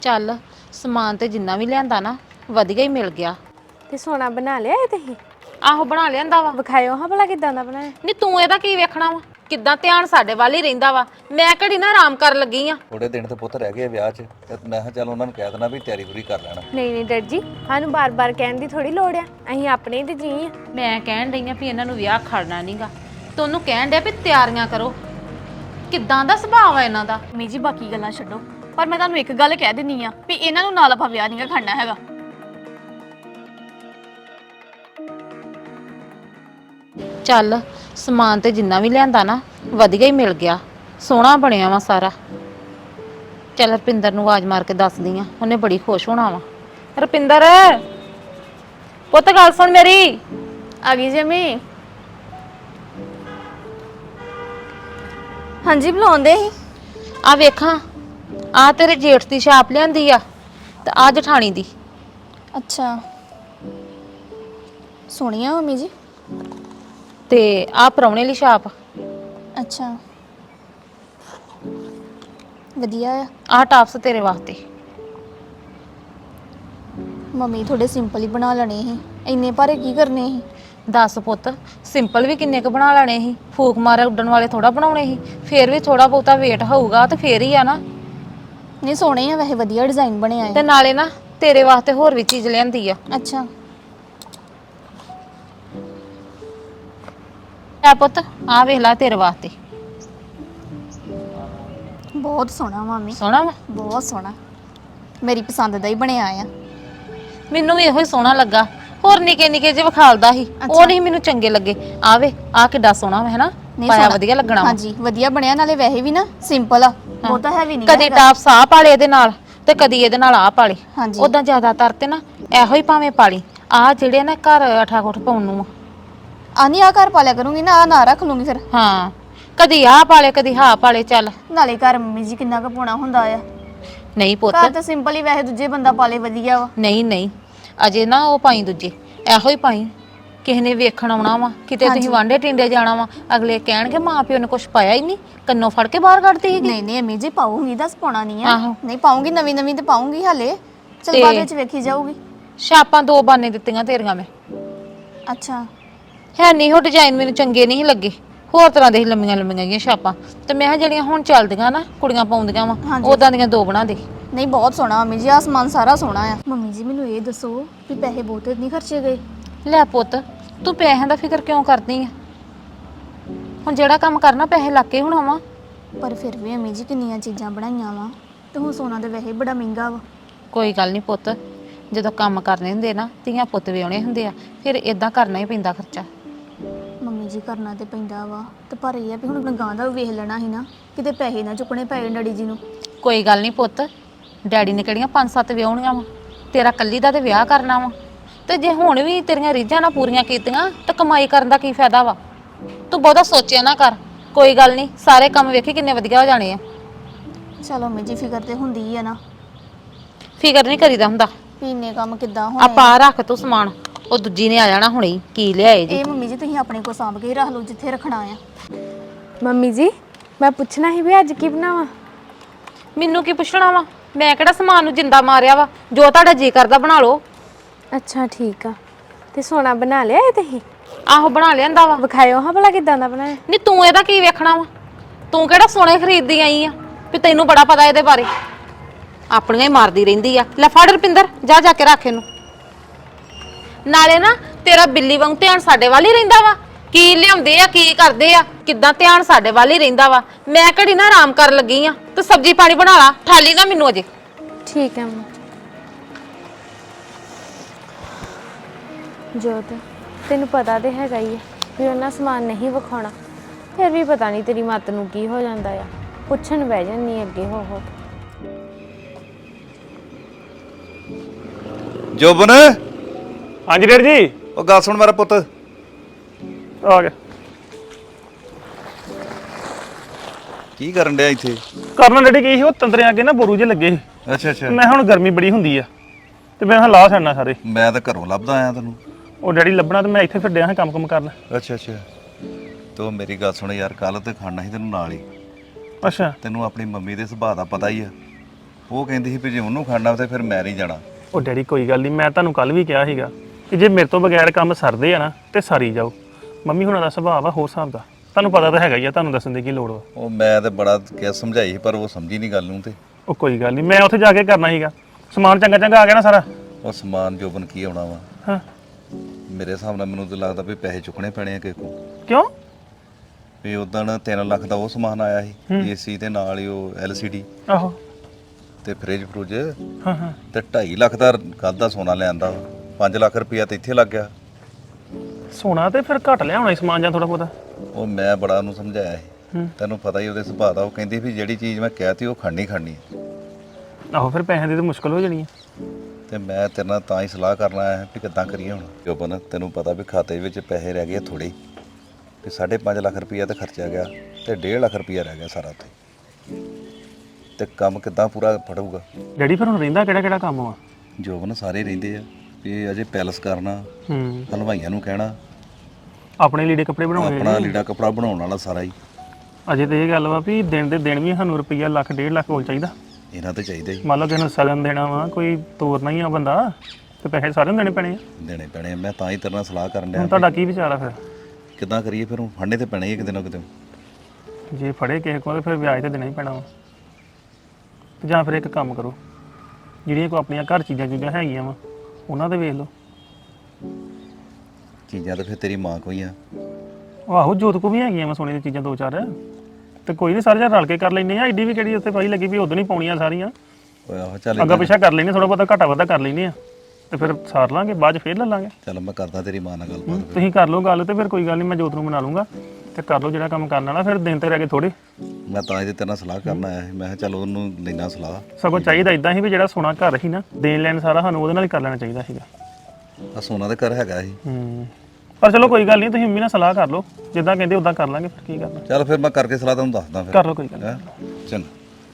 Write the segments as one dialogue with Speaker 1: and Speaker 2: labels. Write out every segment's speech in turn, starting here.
Speaker 1: ਚੱਲ ਸਮਾਨ ਤੇ ਜਿੰਨਾ ਵੀ ਲਿਆਂਦਾ ਨਾ ਵਧੀਆ ਹੀ ਮਿਲ ਗਿਆ।
Speaker 2: ਤੇ ਸੋਨਾ ਬਣਾ ਲਿਆ ਇਹ ਤੁਸੀਂ?
Speaker 1: ਆਹੋ ਬਣਾ ਲਿਆਂਦਾ ਵਾ।
Speaker 2: ਵਿਖਾਇਓ ਹਾਂ ਭਲਾ ਕਿਦਾਂ ਦਾ ਬਣਾਇਆ।
Speaker 1: ਨਹੀਂ ਤੂੰ ਇਹਦਾ ਕੀ ਵੇਖਣਾ ਵਾ? ਕਿੱਦਾਂ ਧਿਆਨ ਸਾਡੇ ਵੱਲ ਹੀ ਰਹਿੰਦਾ ਵਾ। ਮੈਂ ਘੜੀ ਨਾ ਆਰਾਮ ਕਰਨ ਲੱਗੀ ਆ।
Speaker 3: ਥੋੜੇ ਦਿਨ ਤੇ ਪੁੱਤ ਰਹਿ ਗਏ ਵਿਆਹ 'ਚ ਤੇ ਮੈਂ ਕਿਹਾ ਚੱਲ ਉਹਨਾਂ ਨੂੰ ਕਹਿ ਦੇਣਾ ਵੀ ਤਿਆਰੀ ਪੂਰੀ ਕਰ ਲੈਣਾ।
Speaker 2: ਨਹੀਂ ਡੈਡ ਜੀ, ਸਾਨੂੰ ਬਾਰ-ਬਾਰ ਕਹਿਣ ਦੀ ਥੋੜੀ ਲੋੜ ਆ। ਅਸੀਂ ਆਪਣੇ ਹੀ ਤੇ ਜੀ ਆ।
Speaker 1: ਮੈਂ ਕਹਿਣ ਡਈ ਆ ਵੀ ਇਹਨਾਂ ਨੂੰ ਵਿਆਹ ਖੜਨਾ ਨਹੀਂਗਾ ਤੇ ਉਹਨੂੰ ਕਹਿਣ ਡਿਆ ਵੀ ਤਿਆਰੀਆਂ ਕਰੋ। ਕਿੱਦਾਂ ਦਾ ਸੁਭਾਅ ਆ ਇਹਨਾਂ ਦਾ।
Speaker 4: ਮੀ ਜੀ ਬਾਕੀ ਗੱਲਾਂ ਛੱਡੋ, ਪਰ ਮੈਂ ਤੁਹਾਨੂੰ ਇੱਕ ਗੱਲ ਕਹਿ ਦਿੰਨੀ ਆ ਵੀ ਇਹਨਾਂ ਨੂੰ ਨਾਲ ਆਪਾਂ ਵਿਆਹ ਨਹੀਂ ਖੜਨਾ ਹੈਗਾ।
Speaker 1: ਚੱਲ ਸਮਾਨ ਤੇ ਜਿੰਨਾ ਵੀ ਲਿਆਂਦਾ ਨਾ ਵਧੀਆ ਹੀ ਮਿਲ ਗਿਆ। ਸੋਹਣਾ ਬਣਿਆ ਵਾ ਸਾਰਾ। ਚੱਲ ਰਪਿੰਦਰ ਨੂੰ ਆਵਾਜ਼ ਮਾਰ ਕੇ ਦੱਸਦੀ ਆ, ਉਹਨੇ ਬੜੀ ਖੁਸ਼ ਹੋਣਾ ਵਾ। ਰਪਿੰਦਰ ਪੁੱਤ ਗੱਲ ਸੁਣ ਮੇਰੀ।
Speaker 4: ਆ ਗਈ ਜਮੀ। ਹਾਂਜੀ ਬੁਲਾਉਂਦੇ ਸੀ।
Speaker 1: ਆ ਵੇਖਾਂ, ਆ ਤੇਰੇ ਜੇਠ ਦੀ ਛਾਪ ਲਿਆਂਦੀ ਆ ਤੇ ਆ ਜਠਾਣੀ ਦੀ।
Speaker 4: ਅੱਛਾ ਸੋਹਣੀਆਂ ਮੰਮੀ ਜੀ।
Speaker 1: ਤੇ ਆ ਪ੍ਰਾਹੁਣੇ ਲਈ ਛਾਪ।
Speaker 4: ਅੱਛਾ ਵਧੀਆ ਆ।
Speaker 1: ਆ ਟਾਪਸ ਤੇਰੇ ਵਾਸਤੇ।
Speaker 4: ਮੰਮੀ ਥੋੜੇ ਸਿੰਪਲ ਹੀ ਬਣਾ ਲੈਣੇ ਸੀ, ਇੰਨੇ ਭਾਰੇ ਕੀ ਕਰਨੇ ਸੀ?
Speaker 1: ਦੱਸ ਪੁੱਤ, ਸਿੰਪਲ ਵੀ ਕਿੰਨੇ ਕੁ ਬਣਾ ਲੈਣੇ ਸੀ? ਫੂਕ ਮਾਰੇ ਉੱਡਣ ਵਾਲੇ ਥੋੜਾ ਬਣਾਉਣੇ ਸੀ। ਫੇਰ ਵੀ ਥੋੜਾ ਬਹੁਤਾ ਵੇਟ ਹੋਊਗਾ ਤੇ ਫੇਰ ਹੀ ਆ ਨਾ।
Speaker 4: ਨਹੀਂ ਸੋਹਣੇ ਆ ਵੈਸੇ, ਵਧੀਆ ਡਿਜ਼ਾਈਨ ਬਣਿਆ
Speaker 1: ਤੇ
Speaker 4: ਹੈ।
Speaker 1: ਨਾਲੇ ਨਾ ਤੇਰੇ ਵਾਸਤੇ ਹੋਰ ਵੀ ਚੀਜ਼ ਲਿਆਂਦੀ ਆ।
Speaker 4: ਅੱਛਾ
Speaker 1: ਆ ਪੁੱਤ ਆ ਵੇਖ ਲੈ ਤੇਰੇ ਵਾਸਤੇ।
Speaker 4: ਬਹੁਤ ਸੋਹਣਾ ਮੰਮੀ,
Speaker 1: ਸੋਹਣਾ ਵਾ।
Speaker 4: ਬਹੁਤ ਸੋਹਣਾ, ਮੇਰੀ ਪਸੰਦ ਦਾ ਹੀ ਬਣਿਆ ਆ।
Speaker 1: ਮੈਨੂੰ ਵੀ ਇਹੋ ਹੀ ਸੋਹਣਾ ਲੱਗਾ। ਹੋਰ ਨਿੱਕੇ ਨਿੱਕੇ ਜਿਹੇ ਵਿਖਾਲਦਾ ਸੀ, ਉਹ ਨਹੀਂ ਮੈਨੂੰ ਚੰਗੇ ਲੱਗੇ। ਆਵੇ ਆ ਕਿੱਡਾ ਸੋਹਣਾ ਵਾ ਹੈ ਨਾ, ਪਾਇਆ ਵਧੀਆ ਲੱਗਣਾ ਵਾ।
Speaker 4: ਹਾਂਜੀ ਵਧੀਆ ਬਣਿਆ, ਨਾਲੇ ਵੈਸੇ ਵੀ ਨਾ ਸਿੰਪਲ ਆ, ਬਹੁਤਾ ਹੈਵੀ ਨਹੀਂ।
Speaker 1: ਕਦੀ ਟਾਪਸ ਆ ਪਾਲੇ ਇਹਦੇ ਨਾਲ ਤੇ ਕਦੀ ਇਹਦੇ ਨਾਲ ਆ ਪਾਲੇ।
Speaker 4: ਹਾਂਜੀ
Speaker 1: ਉਦਾਂ ਜ਼ਿਆਦਾਤਰ ਤੇ ਨਾ ਇਹੋ ਹੀ ਭਾਵੇਂ ਪਾਲੀ। ਆ ਜਿਹੜੇ ਨਾ ਘਰ ਅਠਾ ਕੋਠ ਪਾਉਣ ਨੂੰ
Speaker 4: ਆ ਨਹੀਂ ਆ ਘਰ ਪਾ ਲਿਆ ਕਰੂੰਗੀ ਨਾ, ਆ ਨਾ ਰੱਖ ਲੂੰਗੀ ਫਿਰ।
Speaker 1: ਹਾਂ, ਕਦੀ ਆ ਪਾਲੇ ਕਦੀ ਹਾਂ ਪਾਲੇ। ਚੱਲ
Speaker 4: ਨਾਲੇ ਘਰ ਮੰਮੀ ਜੀ ਕਿੰਨਾ ਕੁ ਪਾਉਣਾ ਹੁੰਦਾ ਆ।
Speaker 1: ਨਹੀਂ ਪੁੱਤ,
Speaker 4: ਘਰ ਤਾਂ ਸਿੰਪਲ ਹੀ ਵੈਸੇ ਦੂਜੇ ਬੰਦਾ ਪਾਲੇ ਵਧੀਆ ਵਾ।
Speaker 1: ਨਹੀਂ ਨਹੀਂ ਅਜੇ ਨਾ ਉਹ ਪਾਈ ਦੂਜੇ, ਇਹੋ ਹੀ ਪਾਈ। ਕਿਸੇ ਨੇ ਵੇਖਣ ਆਉਣਾ ਵਾ, ਕਿਤੇ ਤੁਸੀਂ ਵਾਂਡੇ ਟਿੰਡੇ ਜਾਣਾ ਵਾ, ਅਗਲੇ ਕਹਿਣਗੇ ਮਾਂ ਪਿਓ ਨੇ ਕੁਝ ਪਾਇਆ ਹੀ ਨਹੀਂ, ਕੰਨੋਂ ਫੜ ਕੇ ਬਾਹਰ ਕੱਢਦੀ ਸੀਗੀ।
Speaker 4: ਨਹੀਂ ਨਹੀਂ ਅੰਮੀ ਜੀ ਪਾਉਂਗੀ, ਦੱਸ ਪਾਉਣਾ ਨਹੀਂ ਆ।
Speaker 1: ਆਹੋ।
Speaker 4: ਨਹੀਂ ਪਾਉਂਗੀ, ਨਵੀਂ ਨਵੀਂ ਤੇ ਪਾਉਂਗੀ ਹਾਲੇ। ਚਲ ਬਾਅਦ ਵਿੱਚ ਵੇਖੀ ਜਾਊਗੀ।
Speaker 1: ਛਾਪਾਂ 2 ਬਾਨੇ ਦਿੱਤੀਆਂ ਤੇਰੀਆਂ ਮੈਂ।
Speaker 4: ਅੱਛਾ
Speaker 1: ਹੈ ਨਹੀਂ ਉਹ ਡਿਜ਼ਾਈਨ ਮੈਨੂੰ ਚੰਗੇ ਨਹੀਂ ਲੱਗੇ। ਹੋਰ ਤਰ੍ਹਾਂ ਦੇ ਸੀ, ਲੰਮੀਆਂ ਲੰਮੀਆਂ ਜਿਹੀਆਂ ਛਾਪਾਂ। ਤੇ ਮੈਂ ਕਿਹਾ ਜਿਹੜੀਆਂ ਹੁਣ ਚੱਲਦੀਆਂ ਨਾ ਕੁੜੀਆਂ ਪਾਉਂਦੀਆਂ ਵਾ, ਉਦਾਂ ਦੀਆਂ 2 ਬਣਾ ਦੇ।
Speaker 4: ਨਹੀਂ ਬਹੁਤ ਸੋਹਣਾ ਮੰਮੀ ਜੀ, ਆ ਸਮਾਨ ਸਾਰਾ ਸੋਹਣਾ ਆ। ਮੰਮੀ ਜੀ ਮੈਨੂੰ ਇਹ ਦੱਸੋ ਵੀ ਪੈਸੇ ਬਹੁਤੇ ਨਹੀਂ ਖਰਚੇ ਗਏ?
Speaker 1: ਲੈ ਪੁੱਤ, ਤੂੰ ਪੈਸਿਆਂ ਦਾ ਫਿਕਰ ਕਿਉਂ ਕਰਦੀ ਆ? ਹੁਣ ਜਿਹੜਾ ਕੰਮ ਕਰਨਾ ਪੈਸੇ ਲੱਗ ਕੇ ਹੋਣਾ ਵਾ।
Speaker 4: ਪਰ ਫਿਰ ਵੀ ਅੰਮੀ ਜੀ ਕਿੰਨੀਆਂ ਚੀਜ਼ਾਂ ਬਣਾਈਆਂ ਵਾ, ਤੇ ਹੁਣ ਸੋਨਾ ਦੇ ਵੈਸੇ ਬੜਾ ਮਹਿੰਗਾ ਵਾ।
Speaker 1: ਕੋਈ ਗੱਲ ਨਹੀਂ ਪੁੱਤ, ਜਦੋਂ ਕੰਮ ਕਰਨੇ ਹੁੰਦੇ ਨਾ, ਧੀਆਂ ਪੁੱਤ ਵਿਆਹੁਣੇ ਹੁੰਦੇ ਆ, ਫਿਰ ਇਦਾਂ ਕਰਨਾ ਹੀ ਪੈਂਦਾ ਖਰਚਾ।
Speaker 4: ਮੰਮੀ ਜੀ ਕਰਨਾ ਤੇ ਪੈਂਦਾ ਵਾ, ਤੇ ਪਰ ਇਹ ਆ ਵੀ ਹੁਣ ਗਾਂ ਦਾ ਵੇਖ ਲੈਣਾ ਸੀ ਨਾ, ਕਿਤੇ ਪੈਸੇ ਨਾ ਚੁੱਕਣੇ ਪਏ ਡੈਡੀ ਜੀ ਨੂੰ।
Speaker 1: ਕੋਈ ਗੱਲ ਨਹੀਂ ਪੁੱਤ, ਡੈਡੀ ਨੇ ਕਿਹੜੀਆਂ 5-7 ਵਿਆਹੁਣੀਆਂ ਵਾ? ਤੇਰਾ ਕੱਲੀ ਦਾ ਤੇ ਵਿਆਹ ਕਰਨਾ ਵਾ। ਤੇ ਜੇ ਹੁਣ ਵੀ ਤੇਰੀਆਂ ਰੀਝਾਂ ਨਾ ਪੂਰੀਆਂ ਕੀਤੀਆਂ ਤਾਂ ਕਮਾਈ ਕਰਨ ਦਾ ਕੀ ਫਾਇਦਾ ਵਾ? ਤੂੰ ਬਹੁਤਾ ਸੋਚਿਆ ਨਾ ਕਰ। ਕੋਈ ਗੱਲ ਨਹੀਂ, ਸਾਰੇ ਕੰਮ ਵੇਖੀ ਕਿੰਨੇ ਵਧੀਆ ਹੋ ਜਾਣੇ ਆ।
Speaker 4: ਚਲੋ ਮੰਮੀ ਜੀ ਫਿਕਰ ਤੇ ਹੁੰਦੀ ਆ ਨਾ,
Speaker 1: ਫਿਕਰ ਨਹੀਂ ਕਰੀਦਾ ਹੁੰਦਾ।
Speaker 4: ਵੀ ਇੰਨੇ ਕੰਮ ਕਿੱਦਾਂ ਹੋਣੇ।
Speaker 1: ਆਪਾਂ ਰੱਖ ਤੂੰ ਸਮਾਨ, ਉਹ ਦੂਜੀ ਨੇ ਆ ਜਾਣਾ ਹੁਣੇ ਹੀ। ਕੀ ਲਿਆਏ ਜੀ?
Speaker 4: ਇਹ ਮੰਮੀ ਜੀ ਤੁਸੀਂ ਆਪਣੇ ਕੋਲ ਸਾਂਭ ਕੇ ਹੀ ਰੱਖ ਲਓ ਜਿੱਥੇ ਰੱਖਣਾ ਆ।
Speaker 2: ਮੰਮੀ ਜੀ ਮੈਂ ਪੁੱਛਣਾ ਸੀ ਵੀ ਅੱਜ ਕੀ ਬਣਾਵਾਂ?
Speaker 1: ਮੈਨੂੰ ਕੀ ਪੁੱਛਣਾ ਵਾ? ਮੈਂ ਕਿਹੜਾ ਸਮਾਨ ਨੂੰ ਜਿੰਦਾ ਮਾਰਿਆ ਵਾ? ਜੋ ਤੁਹਾਡਾ ਜੀ ਕਰਦਾ ਬਣਾ ਲਓ।
Speaker 2: ਅੱਛਾ ਠੀਕ ਆ। ਤੇ ਸੋਨਾ ਬਣਾ ਲਿਆ ਇਹ ਤੁਸੀਂ?
Speaker 1: ਆਹੋ ਬਣਾ ਲਿਆਂਦਾ ਵਾ।
Speaker 2: ਵਿਖਾਇਓ ਹਾਂ ਭਲਾ ਕਿਦਾਂ ਦਾ ਬਣਾਇਆ।
Speaker 1: ਨਹੀਂ ਤੂੰ ਇਹਦਾ ਕੀ ਵੇਖਣਾ ਵਾ? ਤੂੰ ਕਿਹੜਾ ਸੋਨੇ ਖਰੀਦਦੀ ਆਈ ਆ ਵੀ ਤੈਨੂੰ ਬੜਾ ਪਤਾ ਇਹਦੇ ਬਾਰੇ? ਆਪਣੀਆਂ ਹੀ ਮਾਰਦੀ ਰਹਿੰਦੀ ਆ। ਲੈ ਫੜ ਰਪਿੰਦਰ, ਜਾ ਜਾ ਕੇ ਰੱਖ ਇਹਨੂੰ। ਨਾਲੇ ਨਾ ਤੇਰਾ ਬਿੱਲੀ ਵਾਂਗ ਧਿਆਨ ਸਾਡੇ ਵੱਲ ਹੀ ਰਹਿੰਦਾ ਵਾ। ਕੀ ਲਿਆਉਂਦੇ ਆ, ਕੀ ਕਰਦੇ ਆ, ਕਿੱਦਾਂ ਧਿਆਨ ਸਾਡੇ ਵੱਲ ਹੀ ਰਹਿੰਦਾ ਵਾ। ਮੈਂ ਘੜੀ ਨਾ ਆਰਾਮ ਕਰਨ ਲੱਗੀ ਆ, ਤੇ ਸਬਜ਼ੀ ਪਾਣੀ ਬਣਾ ਲਾ। ਠਾਲੀ ਨਾ ਮੈਨੂੰ ਅਜੇ।
Speaker 2: ਠੀਕ ਹੈ ਮੰਮੀ। ਜੋਤ ਤੈਨੂੰ ਪਤਾ ਤੇ ਹੈਗਾ ਹੀ ਹੈ ਵੀ ਉਹਨਾਂ ਸਮਾਨ ਨਹੀਂ ਵਿਖਾਉਣਾ, ਫਿਰ ਵੀ ਪਤਾ ਨਹੀਂ ਤੇਰੀ ਮੱਤ ਨੂੰ ਕੀ ਹੋ ਜਾਂਦਾ ਆ। ਪੁੱਛਣ ਬਹਿ ਜਾਂਦੀ ਅੱਗੇ ਹੋ
Speaker 3: ਜੋਬਨ,
Speaker 5: ਹਾਂਜੀ ਡੈਡ ਜੀ।
Speaker 3: ਉਹ ਗੱਲ ਸੁਣ ਮੇਰਾ ਪੁੱਤ।
Speaker 5: ਆ ਗਿਆ।
Speaker 3: ਕੀ ਕਰਨ ਡਿਆ ਇੱਥੇ?
Speaker 5: ਕਰਨਾ ਡੈਡੀ ਕੀ ਸੀ, ਉਹ ਤੰਦਰੇ ਅੱਗੇ ਨਾ ਬੋਰੂ ਜੇ ਲੱਗੇ ਸੀ।
Speaker 3: ਅੱਛਾ ਅੱਛਾ।
Speaker 5: ਮੈਂ ਹੁਣ ਗਰਮੀ ਬੜੀ ਹੁੰਦੀ ਆ ਤੇ ਮੈਂ ਲਾ ਛੱਡਣਾ ਸਾਰੇ।
Speaker 3: ਮੈਂ ਤਾਂ ਘਰੋਂ ਲੱਭਦਾ ਆਇਆ ਤੈਨੂੰ।
Speaker 5: ਉਹ ਡੈਡੀ ਲੱਭਣਾ ਤੇ ਮੈਂ ਇੱਥੇ ਫਿਰ ਡਿਆ ਹਾਂ ਕੰਮ ਕਰਨ।
Speaker 3: ਅੱਛਾ ਅੱਛਾ। ਤੂੰ ਮੇਰੀ ਗੱਲ ਸੁਣ ਯਾਰ, ਕੱਲ ਤੇ ਖਾਣਾ ਸੀ ਤੈਨੂੰ ਨਾਲ ਹੀ।
Speaker 5: ਅੱਛਾ।
Speaker 3: ਤੈਨੂੰ ਆਪਣੀ ਮੰਮੀ ਦੇ ਸੁਭਾਅ ਦਾ ਪਤਾ ਹੀ ਆ। ਉਹ ਕਹਿੰਦੀ ਸੀ ਵੀ ਜੇ ਉਹਨੂੰ ਖਾਣਾ ਤੇ ਫਿਰ ਮੈਂ ਨਹੀਂ ਜਾਣਾ।
Speaker 5: ਉਹ ਡੈਡੀ ਕੋਈ ਗੱਲ ਨਹੀਂ, ਮੈਂ ਤੁਹਾਨੂੰ ਕੱਲ ਵੀ ਕਿਹਾ ਸੀਗਾ ਕਿ ਜੇ ਮੇਰੇ ਤੋਂ ਬਗੈਰ ਕੰਮ ਸਰਦੇ ਆ ਨਾ ਤੇ ਸਾਰੀ ਜਾਓ। ਮੰਮੀ ਹੁਣਾਂ ਦਾ ਸੁਭਾਅ ਆ ਹੋਰ ਹਿਸਾਬ ਦਾ, ਤੁਹਾਨੂੰ ਪਤਾ ਤਾਂ ਹੈਗਾ ਹੀ ਆ, ਤੁਹਾਨੂੰ ਦੱਸਣ ਦੀ ਕੀ ਲੋੜ ਵਾ।
Speaker 3: ਉਹ ਮੈਂ ਤੇ ਬੜਾ ਕਿਹਾ ਸਮਝਾਈ ਪਰ ਉਹ ਸਮਝੀ ਨਹੀਂ ਗੱਲ ਨੂੰ। ਤੇ
Speaker 5: ਉਹ ਕੋਈ ਗੱਲ ਨਹੀਂ, ਮੈਂ ਉੱਥੇ ਜਾ ਕੇ ਕਰਨਾ ਸੀਗਾ। ਸਮਾਨ ਚੰਗਾ ਚੰਗਾ ਆ ਗਿਆ ਨਾ ਸਾਰਾ?
Speaker 3: ਉਹ ਸਮਾਨ ਜੋਬਨ ਕੀ ਆਉਣਾ ਵਾ,
Speaker 5: ਹਾਂ
Speaker 3: ਮੇਰੇ ਹਿਸਾਬ ਨਾਲ ਮੈਨੂੰ ਤਾਂ ਲੱਗਦਾ ਵੀ ਪੈਸੇ ਚੁੱਕਣੇ ਪੈਣੇ ਆ ਕਿਸੇ ਕੋਲ।
Speaker 5: ਕਿਉਂ?
Speaker 3: ਵੀ ਉਦੋਂ 3 ਲੱਖ ਦਾ ਉਹ ਸਮਾਨ ਆਇਆ ਸੀ ਏਸੀ ਤੇ ਨਾਲ ਹੀ ਉਹ LCD
Speaker 5: ਆਹੋ
Speaker 3: ਤੇ ਫ੍ਰਿਜ ਫਰੂਜ
Speaker 5: ਹਾਂ ਹਾਂ।
Speaker 3: ਤੇ 2.5 ਲੱਖ ਦਾ ਕੱਲ੍ਹ ਦਾ ਸੋਨਾ ਲਿਆਂਦਾ, 5 ਲੱਖ ਰੁਪਇਆ ਤੇ ਇੱਥੇ ਲੱਗ ਗਿਆ।
Speaker 5: ਸੋਨਾ ਤੇ ਫਿਰ ਘੱਟ ਲਿਆਉਣਾ ਸੀ ਸਮਾਨ ਜਾਂ ਥੋੜਾ ਬਹੁਤਾ।
Speaker 3: ਉਹ ਮੈਂ ਬੜਾ ਉਹਨੂੰ ਸਮਝਾਇਆ ਸੀ, ਤੈਨੂੰ ਪਤਾ ਹੀ ਉਹਦੇ ਸੁਭਾਅ ਦਾ। ਉਹ ਕਹਿੰਦੀ ਵੀ ਜਿਹੜੀ ਚੀਜ਼ ਮੈਂ ਕਹਿਤੀ ਉਹ ਖੜਨੀ ਖੜਨੀ ਹੈ।
Speaker 5: ਆਹੋ ਫਿਰ ਪੈਸਿਆਂ ਦੀ ਤਾਂ ਮੁਸ਼ਕਲ ਹੋ ਜਾਣੀ ਹੈ।
Speaker 3: ਤੇ ਮੈਂ ਤੇਰੇ ਨਾਲ ਤਾਂ ਹੀ ਸਲਾਹ ਕਰਨ ਆਇਆ ਵੀ ਕਿੱਦਾਂ ਕਰੀਏ ਹੁਣ। ਜੋਬਨ ਤੈਨੂੰ ਪਤਾ ਵੀ ਖਾਤੇ ਵਿੱਚ ਪੈਸੇ ਰਹਿ ਗਏ ਥੋੜੇ, ਤੇ 5.5 ਲੱਖ ਰੁਪਇਆ ਤੇ ਖਰਚਿਆ ਗਿਆ ਤੇ 1.5 ਲੱਖ ਰੁਪਇਆ ਰਹਿ ਗਿਆ ਸਾਰਾ ਉੱਥੇ। ਤੇ ਕੰਮ ਕਿੱਦਾਂ ਪੂਰਾ ਫੜੂਗਾ
Speaker 5: ਡੈਡੀ ਫਿਰ ਹੁਣ ਰਹਿੰਦਾ ਕਿਹੜਾ ਕਿਹੜਾ ਕੰਮ ਵਾ?
Speaker 3: ਜੋਬਨ ਸਾਰੇ ਰਹਿੰਦੇ ਆ ਵੀ ਅਜੇ ਪੈਲਸ ਕਰਨਾ, ਹਲਵਾਈਆਂ ਨੂੰ ਕਹਿਣਾ,
Speaker 5: ਆਪਣੇ ਲੀੜੇ ਕੱਪੜੇ ਬਣਾਉਣੇ।
Speaker 3: ਆਪਣਾ ਲੀੜਾ ਕਪੜਾ ਬਣਾਉਣ ਵਾਲਾ ਸਾਰਾ ਹੀ।
Speaker 5: ਅਜੇ ਤੇ ਇਹ ਗੱਲ ਵਾ ਵੀ ਦਿਨ ਦੇ ਦਿਨ ਵੀ ਸਾਨੂੰ ਰੁਪਈਆ ਲੱਖ 1.5 ਲੱਖ ਕੋਲ ਚਾਹੀਦਾ।
Speaker 3: ਇਹਨਾਂ ਤੇ ਚਾਹੀਦਾ ਹੀ,
Speaker 5: ਮੰਨ ਲਓ ਕਿਸੇ ਨੂੰ ਸਗਨ ਦੇਣਾ ਵਾ, ਕੋਈ ਤੋਰਨਾ ਹੀ ਆ ਬੰਦਾ, ਤੇ ਪੈਸੇ ਸਾਰਿਆਂ ਨੂੰ ਦੇਣੇ ਪੈਣੇ ਆ।
Speaker 3: ਦੇਣੇ ਪੈਣੇ। ਮੈਂ ਤਾਂ ਹੀ ਤੇਰੇ ਨਾਲ ਸਲਾਹ ਕਰਨ
Speaker 5: ਹੁਣ
Speaker 3: ਡਿਆ
Speaker 5: ਤੁਹਾਡਾ ਕੀ ਵਿਚਾਰ ਆ ਫਿਰ?
Speaker 3: ਕਿੱਦਾਂ ਕਰੀਏ ਫਿਰ। ਹੁਣ ਫੜਨੇ ਤੇ ਪੈਣੇ ਹੀ ਕਿਤੇ ਨਾ ਕਿਤੇ।
Speaker 5: ਜੇ ਫੜੇ ਕਿਸੇ ਕੋਲ ਤੇ ਫਿਰ ਵਿਆਜ ਤੇ ਦੇਣਾ ਹੀ ਪੈਣਾ ਵਾ। ਤੇ ਜਾਂ ਫਿਰ ਇੱਕ ਕੰਮ ਕਰੋ, ਜਿਹੜੀਆਂ ਕੋ ਆਪਣੀਆਂ ਘਰ ਚੀਜ਼ਾਂ ਹੈਗੀਆਂ ਵਾ ਉਹਨਾਂ ਤੇ ਵੇਖ ਲਓ।
Speaker 3: ਚੀਜ਼ਾਂ ਤਾਂ ਫਿਰ ਤੇਰੀ ਮਾਂ ਕੋਈ ਆ।
Speaker 5: ਉਹ ਆਹੋ ਜੋਤ ਕੋ ਵੀ ਹੈਗੀਆਂ ਵਾ ਸੋਨੇ ਦੀਆਂ ਚੀਜ਼ਾਂ 2-4, ਤੇ ਕੋਈ ਨਹੀਂ ਸਾਰੇ ਜਣ ਰਲ ਕੇ ਕਰ ਲੈਂਦੇ ਆ। ਐਡੀ ਵੀ ਕਿਹੜੀ ਉੱਥੇ ਪਾਈ ਲੱਗੀ ਵੀ ਉਦੋਂ ਨਹੀਂ ਪਾਉਣੀਆਂ ਸਾਰੀਆਂ।
Speaker 3: ਓਏ ਆਹੋ ਚੱਲ
Speaker 5: ਅੱਗਾ ਪਿੱਛਾ ਕਰ ਲੈਂਦੇ, ਥੋੜਾ ਬਹੁਤਾ ਘਾਟਾ ਵਾਧਾ ਕਰ ਲੈਂਦੇ ਆ, ਤੇ ਫਿਰ ਸਾਰ ਲਾਂਗੇ, ਬਾਅਦ ਚ ਫੇਰ ਲੈ ਲਾਂਗੇ।
Speaker 3: ਚੱਲ ਮੈਂ ਕਰਦਾ ਤੇਰੀ ਮਾਂ ਨਾਲ ਗੱਲਬਾਤ।
Speaker 5: ਤੁਸੀਂ ਕਰ ਲਓ ਗੱਲ, ਤੇ ਫਿਰ ਕੋਈ ਗੱਲ ਨਹੀਂ, ਮੈਂ ਜੋਤ ਨੂੰ ਮਨਾ ਲੂੰਗਾ ਤੇ ਕਰ ਲਓ ਜਿਹੜਾ ਕੰਮ ਕਰਨ ਵਾਲਾ। ਫਿਰ ਦਿਨ ਤੇ ਰਹਿ ਗਏ ਥੋੜੇ।
Speaker 3: ਮੈਂ ਤਾਂ ਇਹਦੇ ਤੇਰੇ ਨਾਲ ਸਲਾਹ ਕਰਨ ਆਇਆ ਸੀ। ਮੈਂ ਕਿਹਾ ਚੱਲ ਉਹਨੂੰ ਲੈਣਾ ਸਲਾਹ।
Speaker 5: ਸਗੋਂ ਚਾਹੀਦਾ ਇਦਾਂ ਸੀ ਵੀ ਜਿਹੜਾ ਸੋਨਾ ਘਰ ਸੀ ਨਾ, ਦੇਣ ਲੈਣ ਸਾਰਾ ਸਾਨੂੰ ਉਹਦੇ ਨਾਲ ਹੀ ਕਰ ਲੈਣਾ ਚਾਹੀਦਾ ਸੀਗਾ।
Speaker 3: ਆ ਸੋਨਾ ਦੇ ਘਰ ਹੈਗਾ ਸੀ।
Speaker 5: ਪਰ ਚਲੋ ਕੋਈ ਗੱਲ ਨਹੀਂ, ਤੁਸੀਂ ਮੰਮੀ ਨਾਲ ਸਲਾਹ ਕਰ ਲਓ, ਜਿੱਦਾਂ ਕਹਿੰਦੇ ਉਦਾਂ ਕਰ ਲਾਂਗੇ। ਫਿਰ ਕੀ ਕਰਨਾ,
Speaker 3: ਚੱਲ ਫਿਰ ਮੈਂ ਕਰਕੇ ਸਲਾਹ ਤੁਹਾਨੂੰ ਦੱਸਦਾ ਫਿਰ।
Speaker 5: ਕਰ ਲਓ ਕੋਈ ਗੱਲ
Speaker 3: ਹੈਂ? ਚੰਗਾ।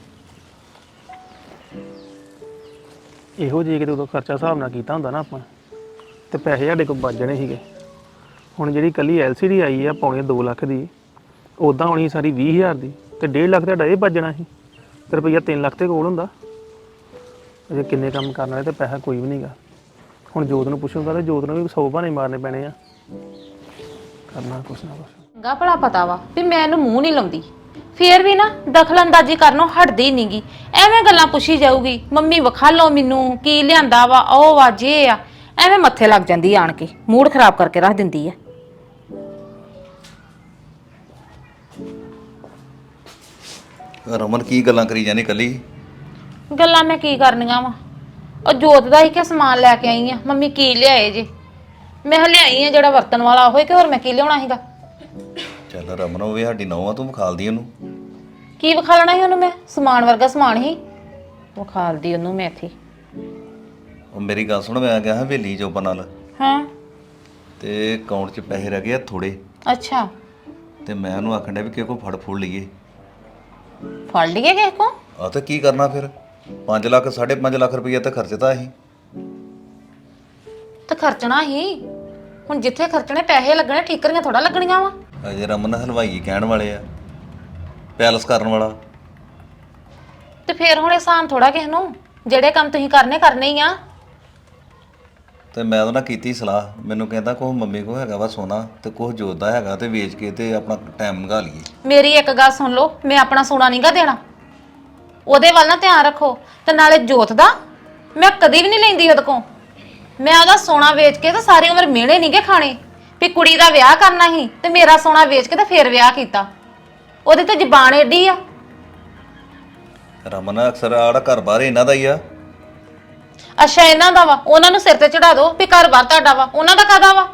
Speaker 5: ਇਹੋ ਜਿਹੇ ਕਿਤੇ ਉਦੋਂ ਖਰਚਾ ਹਿਸਾਬ ਨਾਲ ਕੀਤਾ ਹੁੰਦਾ ਨਾ ਆਪਾਂ, ਤੇ ਪੈਸੇ ਸਾਡੇ ਕੋਲ ਬਚ ਜਾਣੇ ਸੀਗੇ। ਹੁਣ ਜਿਹੜੀ ਕੱਲੀ LCD ਆਈ ਆ ਪੌਣੇ 2 ਲੱਖ ਦੀ, ਉਦਾਂ ਹੋਣੀ ਸਾਰੀ 20,000 ਦੀ, ਤੇ 1.5 ਲੱਖ ਤੁਹਾਡਾ ਇਹ ਬਚਣਾ ਸੀ, ਤੇ ਰੁਪਈਆ 3 ਲੱਖ ਤੇ ਕੋਲ ਹੁੰਦਾ। ਅਜੇ ਕਿੰਨੇ ਕੰਮ ਕਰਨ ਵਾਲੇ ਤੇ ਪੈਸਾ ਕੋਈ ਵੀ ਨਹੀਂਗਾ। ਹੁਣ ਜੋਤ ਨੂੰ ਪੁੱਛੂਗਾ ਤੇ ਜੋਤ ਨੂੰ ਵੀ 100 ਬਹਾਨੇ ਮਾਰਨੇ ਪੈਣੇ ਆ, ਕਰਨਾ ਕੁਛ ਨਾ ਕੁਛ।
Speaker 1: ਚੰਗਾ ਭਲਾ ਪਤਾ ਵਾ ਵੀ ਮੈਂ ਇਹਨੂੰ ਮੂੰਹ ਨਹੀਂ ਲਾਉਂਦੀ, ਫੇਰ ਵੀ ਨਾ ਦਖਲਅੰਦਾਜ਼ੀ ਕਰਨੋਂ ਹਟਦੀ ਨਹੀਂਗੀ। ਐਵੇਂ ਗੱਲਾਂ ਪੁੱਛੀ ਜਾਊਗੀ, ਮੰਮੀ ਵਿਖਾ ਲਓ ਮੈਨੂੰ ਕੀ ਲਿਆਂਦਾ ਵਾ, ਉਹ ਵਾ ਜੇ ਆ, ਐਵੇਂ ਮੱਥੇ ਲੱਗ ਜਾਂਦੀ ਆਣ ਕੇ, ਮੂਡ ਖਰਾਬ ਕਰਕੇ ਰੱਖ ਦਿੰਦੀ ਆ।
Speaker 3: ਰਮਨ ਕੀ ਗੱਲਾਂ ਕਰੀ ਜਾਨੀ ਕੱਲੀ?
Speaker 1: ਗੱਲਾਂ ਮੈਂ ਕੀ ਕਰਨੀਆਂ ਵਾ, ਉਹ ਜੋਤ ਦਾ ਹੀ ਕਿ ਸਮਾਨ ਲੈ ਕੇ ਆਈ ਆ। ਮੰਮੀ ਕੀ ਲਿਆਏ ਜੇ? ਮੈਂ ਲਿਆਈ ਆ ਜਿਹੜਾ ਵਰਤਣ ਵਾਲਾ ਹੋਏ, ਕਿ ਹੋਰ ਮੈਂ ਕੀ ਲਿਆਉਣਾ ਸੀਗਾ।
Speaker 3: ਚੱਲ ਰਮਨ ਉਹ ਵੀ ਸਾਡੀ ਨੌਂ ਆ, ਤੂੰ ਵਿਖਾਲਦੀ ਉਹਨੂੰ।
Speaker 1: ਕੀ ਵਿਖਾਲਣਾ ਸੀ ਉਹਨੂੰ ਮੈਂ? ਸਮਾਨ ਵਰਗਾ ਸਮਾਨ ਹੀ ਵਿਖਾਲਦੀ ਉਹਨੂੰ ਮੈਂ ਇੱਥੇ।
Speaker 3: ਉਹ ਮੇਰੀ ਗੱਲ ਸੁਣ, ਮੈਂ ਗਿਆ ਹਾਂ ਹਵੇਲੀ ਜੋਬਨ ਨਾਲ,
Speaker 1: ਹਾਂ
Speaker 3: ਤੇ ਅਕਾਊਂਟ 'ਚ ਪੈਸੇ ਰਹਿ ਗਏ ਆ ਥੋੜੇ।
Speaker 1: ਅੱਛਾ,
Speaker 3: ਤੇ ਮੈਂ ਉਹਨੂੰ ਆਖਣ ਡਿਆ ਵੀ ਕਿਸੇ ਕੋਲ ਫੜ ਲਈਏ।
Speaker 1: ਫੜ ਲਈਏ ਕਿਸੇ ਕੋ?
Speaker 3: ਆ ਤੇ ਕੀ ਕਰਨਾ ਫਿਰ? 5 ਲੱਖ 5.5 ਲੱਖ ਰੁਪਈਆ ਤਾਂ ਖਰਚਦਾ ਅਸੀਂ।
Speaker 1: ਤੇ ਖਰਚਣਾ ਹੀ, ਹੁਣ ਜਿੱਥੇ ਖਰਚਣੇ ਪੈਸੇ ਲੱਗਣੇ, ਠੀਕਰੀਆਂ ਥੋੜਾ ਲੱਗਣੀਆਂ ਵਾ।
Speaker 3: ਅਜੇ ਰਮਨ ਹਲਵਾਈ ਕਹਿਣ ਵਾਲੇ ਆ, ਪੈਲਸ ਕਰਨ ਵਾਲਾ।
Speaker 1: ਤੇ ਫੇਰ ਹੁਣ ਆਸਾਨ ਥੋੜਾ ਕਿਸੇ ਨੂੰ, ਜਿਹੜੇ ਕੰਮ ਤੁਸੀਂ ਕਰਨੇ ਹੀ ਆ।
Speaker 3: ਤੇ ਮੈਂ ਉਹਦੇ ਨਾਲ ਕੀਤੀ ਸਲਾਹ, ਮੈਨੂੰ ਕਹਿੰਦਾ ਕੋਹ ਮੰਮੀ ਕੋ ਹੈਗਾ ਵਾ ਸੋਨਾ, ਤੇ ਕੋਹ ਜੋਤ ਦਾ ਹੈਗਾ, ਤੇ ਵੇਚ ਕੇ ਤੇ ਆਪਣਾ ਟਾਈਮ ਲੰਘਾ ਲਈਏ।
Speaker 1: ਮੇਰੀ ਇੱਕ ਗੱਲ ਸੁਣ ਲਓ, ਮੈਂ ਆਪਣਾ ਸੋਨਾ ਨਹੀਂਗਾ ਦੇਣਾ, ਉਹਦੇ ਵੱਲ ਨਾ ਧਿਆਨ ਰੱਖੋ। ਤੇ ਨਾਲੇ ਜੋਤ ਦਾ ਮੈਂ ਕਦੀ ਵੀ ਨਹੀਂ ਲੈਂਦੀ ਉਹਦੇ ਕੋਲ। ਮੈਂ ਉਹਦਾ ਸੋਨਾ ਵੇਚ ਕੇ ਤੇ ਸਾਰੀ ਉਮਰ ਮਿਹਣੇ ਨਹੀਂਗੇ ਖਾਣੇ ਵੀ ਕੁੜੀ ਦਾ ਵਿਆਹ ਕਰਨਾ ਸੀ ਤੇ ਮੇਰਾ ਸੋਨਾ ਵੇਚ ਕੇ ਤੇ ਫੇਰ ਵਿਆਹ ਕੀਤਾ। ਉਹਦੀ ਤੇ ਜ਼ਬਾਨ ਏਡੀ ਆ।
Speaker 3: ਰਮਨ ਅਕਸਰ ਆੜਾ ਘਰ ਬਾਹਰ ਇਹਨਾਂ ਦਾ ਹੀ ਆ।
Speaker 1: ਅੱਛਾ ਇਹਨਾਂ ਦਾ ਵਾ, ਉਹਨਾਂ ਨੂੰ ਸਿਰ ਤੇ ਚੜਾ ਦੋ ਵੀ ਘਰ ਬਾਰ ਤੁਹਾਡਾ ਵਾ। ਉਹਨਾਂ ਦਾ ਕਾਹਦਾ ਵਾ?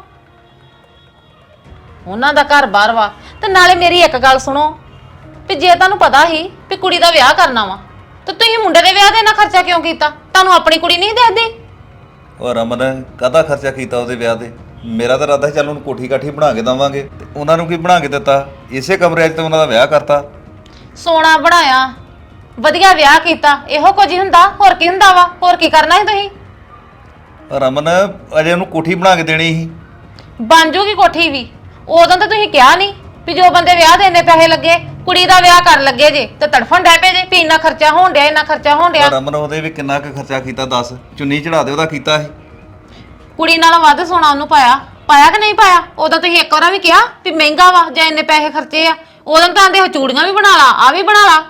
Speaker 1: ਉਹਨਾਂ ਦਾ ਘਰ ਬਾਰ ਵਾ। ਤੇ ਨਾਲੇ ਮੇਰੀ ਇੱਕ ਗੱਲ ਸੁਣੋ, ਵੀ ਜੇ ਤੁਹਾਨੂੰ ਪਤਾ ਸੀ ਵੀ ਕੁੜੀ ਦਾ ਵਿਆਹ ਕਰਨਾ ਵਾ, ਤੇ ਤੁਸੀਂ ਮੁੰਡੇ ਦੇ ਵਿਆਹ ਦੇ ਨਾਲ ਖਰਚਾ ਕਿਉਂ ਕੀਤਾ? ਤੁਹਾਨੂੰ ਆਪਣੀ ਕੁੜੀ ਨਹੀਂ ਦੇਖਦੀ?
Speaker 3: ਉਹ ਰਮਨ ਕਾਹਦਾ ਖਰਚਾ ਕੀਤਾ ਉਹਦੇ ਵਿਆਹ ਤੇ? ਮੇਰਾ ਤਾਂ ਇਰਾਦਾ ਸੀ ਚੱਲ ਉਹਨੂੰ ਕੋਠੀ ਕਾਠੀ ਬਣਾ ਕੇ ਦੇਵਾਂਗੇ, ਤੇ ਉਹਨਾਂ ਨੂੰ ਕੀ ਬਣਾ ਕੇ ਦਿੱਤਾ? ਇਸੇ ਕਮਰੇ 'ਚ ਤੇ ਉਹਨਾਂ ਦਾ ਵਿਆਹ ਕਰਤਾ।
Speaker 1: ਸੋਨਾ ਬਣਾਇਆ, ਵਧੀਆ ਵਿਆਹ ਕੀਤਾ, ਇਹੋ ਕੁਝ ਹੀ ਹੁੰਦਾ। ਹੋਰ ਕੀ ਹੁੰਦਾ ਵਾ? ਹੋਰ ਕੀ ਕਰਨਾ ਸੀ ਤੁਸੀਂ?
Speaker 3: ਰਮਨ ਅਜੇ ਉਹਨੂੰ ਕੋਠੀ ਬਣਾ ਕੇ ਦੇਣੀ ਸੀ।
Speaker 1: ਬਣ ਜੂਗੀ ਕੋਠੀ ਵੀ। ਉਦੋਂ ਤਾਂ ਤੁਸੀਂ ਕਿਹਾ ਨਹੀਂ ਵੀ ਜੋ ਬੰਦੇ ਵਿਆਹ ਦੇ ਇੰਨੇ ਪੈਸੇ ਲੱਗੇ ਕੁੜੀ ਦਾ ਵਿਆਹ ਕਰਨ ਲੱਗੇ ਜੇ ਤੇ ਤੜਫਣ ਡੈ ਪਏ ਜੇ ਵੀ ਇੰਨਾ ਖਰਚਾ ਹੋਣ ਡਿਆ ਇੰਨਾ ਖਰਚਾ ਹੋਣ ਡਿਆ।
Speaker 3: ਰਮਨ ਉਹਦੇ ਵੀ ਕਿੰਨਾ ਕੁ ਖਰਚਾ ਕੀਤਾ ਦੱਸ, ਚੁੰਨੀ ਚੜਾ ਦੇ ਉਹਦਾ ਕੀਤਾ ਸੀ।
Speaker 1: ਕੁੜੀ ਨਾਲੋਂ ਵੱਧ ਸੋਨਾ ਉਹਨੂੰ ਪਾਇਆ ਕਿ ਨਹੀਂ ਪਾਇਆ? ਉਦੋਂ ਤੁਸੀਂ ਇੱਕ ਵਾਰ ਵੀ ਕਿਹਾ ਵੀ ਮਹਿੰਗਾ ਵਾ ਜਾਂ ਇੰਨੇ ਪੈਸੇ ਖਰਚੇ ਆ। ਉਦੋਂ ਤਾਂ ਆਂਦੇ ਚੂੜੀਆਂ ਵੀ ਬਣਾ ਲਾ, ਆ ਵੀ ਬਣਾ ਲਾ।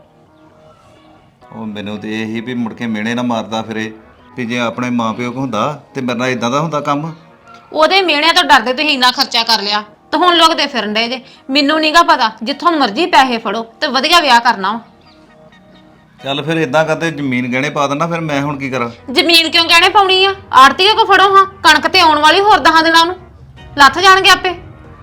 Speaker 3: ਉਹ ਮੈਨੂੰ ਤੇ ਇਹੀ ਵੀ ਮੁੜ ਕੇ ਮਿਹਣੇ ਨਾ ਮਾਰਦਾ ਫਿਰੇ ਵੀ ਜੇ ਆਪਣੇ ਮਾਪਿਓ ਕੋ ਹੁੰਦਾ ਤੇ ਮੇਰੇ ਨਾਲ ਇਦਾਂ ਦਾ ਹੁੰਦਾ ਕੰਮ।
Speaker 1: ਉਹਦੇ ਮਿਹਣਿਆਂ ਤੋਂ ਡਰਦੇ ਤੁਸੀਂ ਇੰਨਾ ਖਰਚਾ ਕਰ ਲਿਆ ਤੇ ਹੁਣ ਲੋਕ ਤੇ ਫਿਰਨ ਡਏ ਜੇ। ਮੈਨੂੰ ਨਹੀਂਗਾ ਪਤਾ, ਜਿੱਥੋਂ ਮਰਜ਼ੀ ਪੈਸੇ ਫੜੋ ਤੇ ਵਧੀਆ ਵਿਆਹ ਕਰਨਾ ਵਾ।
Speaker 3: ਚੱਲ ਫਿਰ ਇਦਾਂ ਕਰਦੇ ਜ਼ਮੀਨ ਗਹਿਣੇ ਪਾ ਦੇਣਾ, ਫਿਰ ਮੈਂ ਹੁਣ ਕੀ ਕਰਾਂ?
Speaker 1: ਜ਼ਮੀਨ ਕਿਉਂ ਗਹਿਣੇ ਪਾਉਣੀ ਆ? ਆੜਤੀਏ ਕੋ ਫੜੋ ਹਾਂ, ਕਣਕ ਤੇ ਆਉਣ ਵਾਲੀ ਹੋਰ 10 ਦਿਨਾਂ ਨੂੰ ਲੱਥ ਜਾਣਗੇ ਆਪੇ।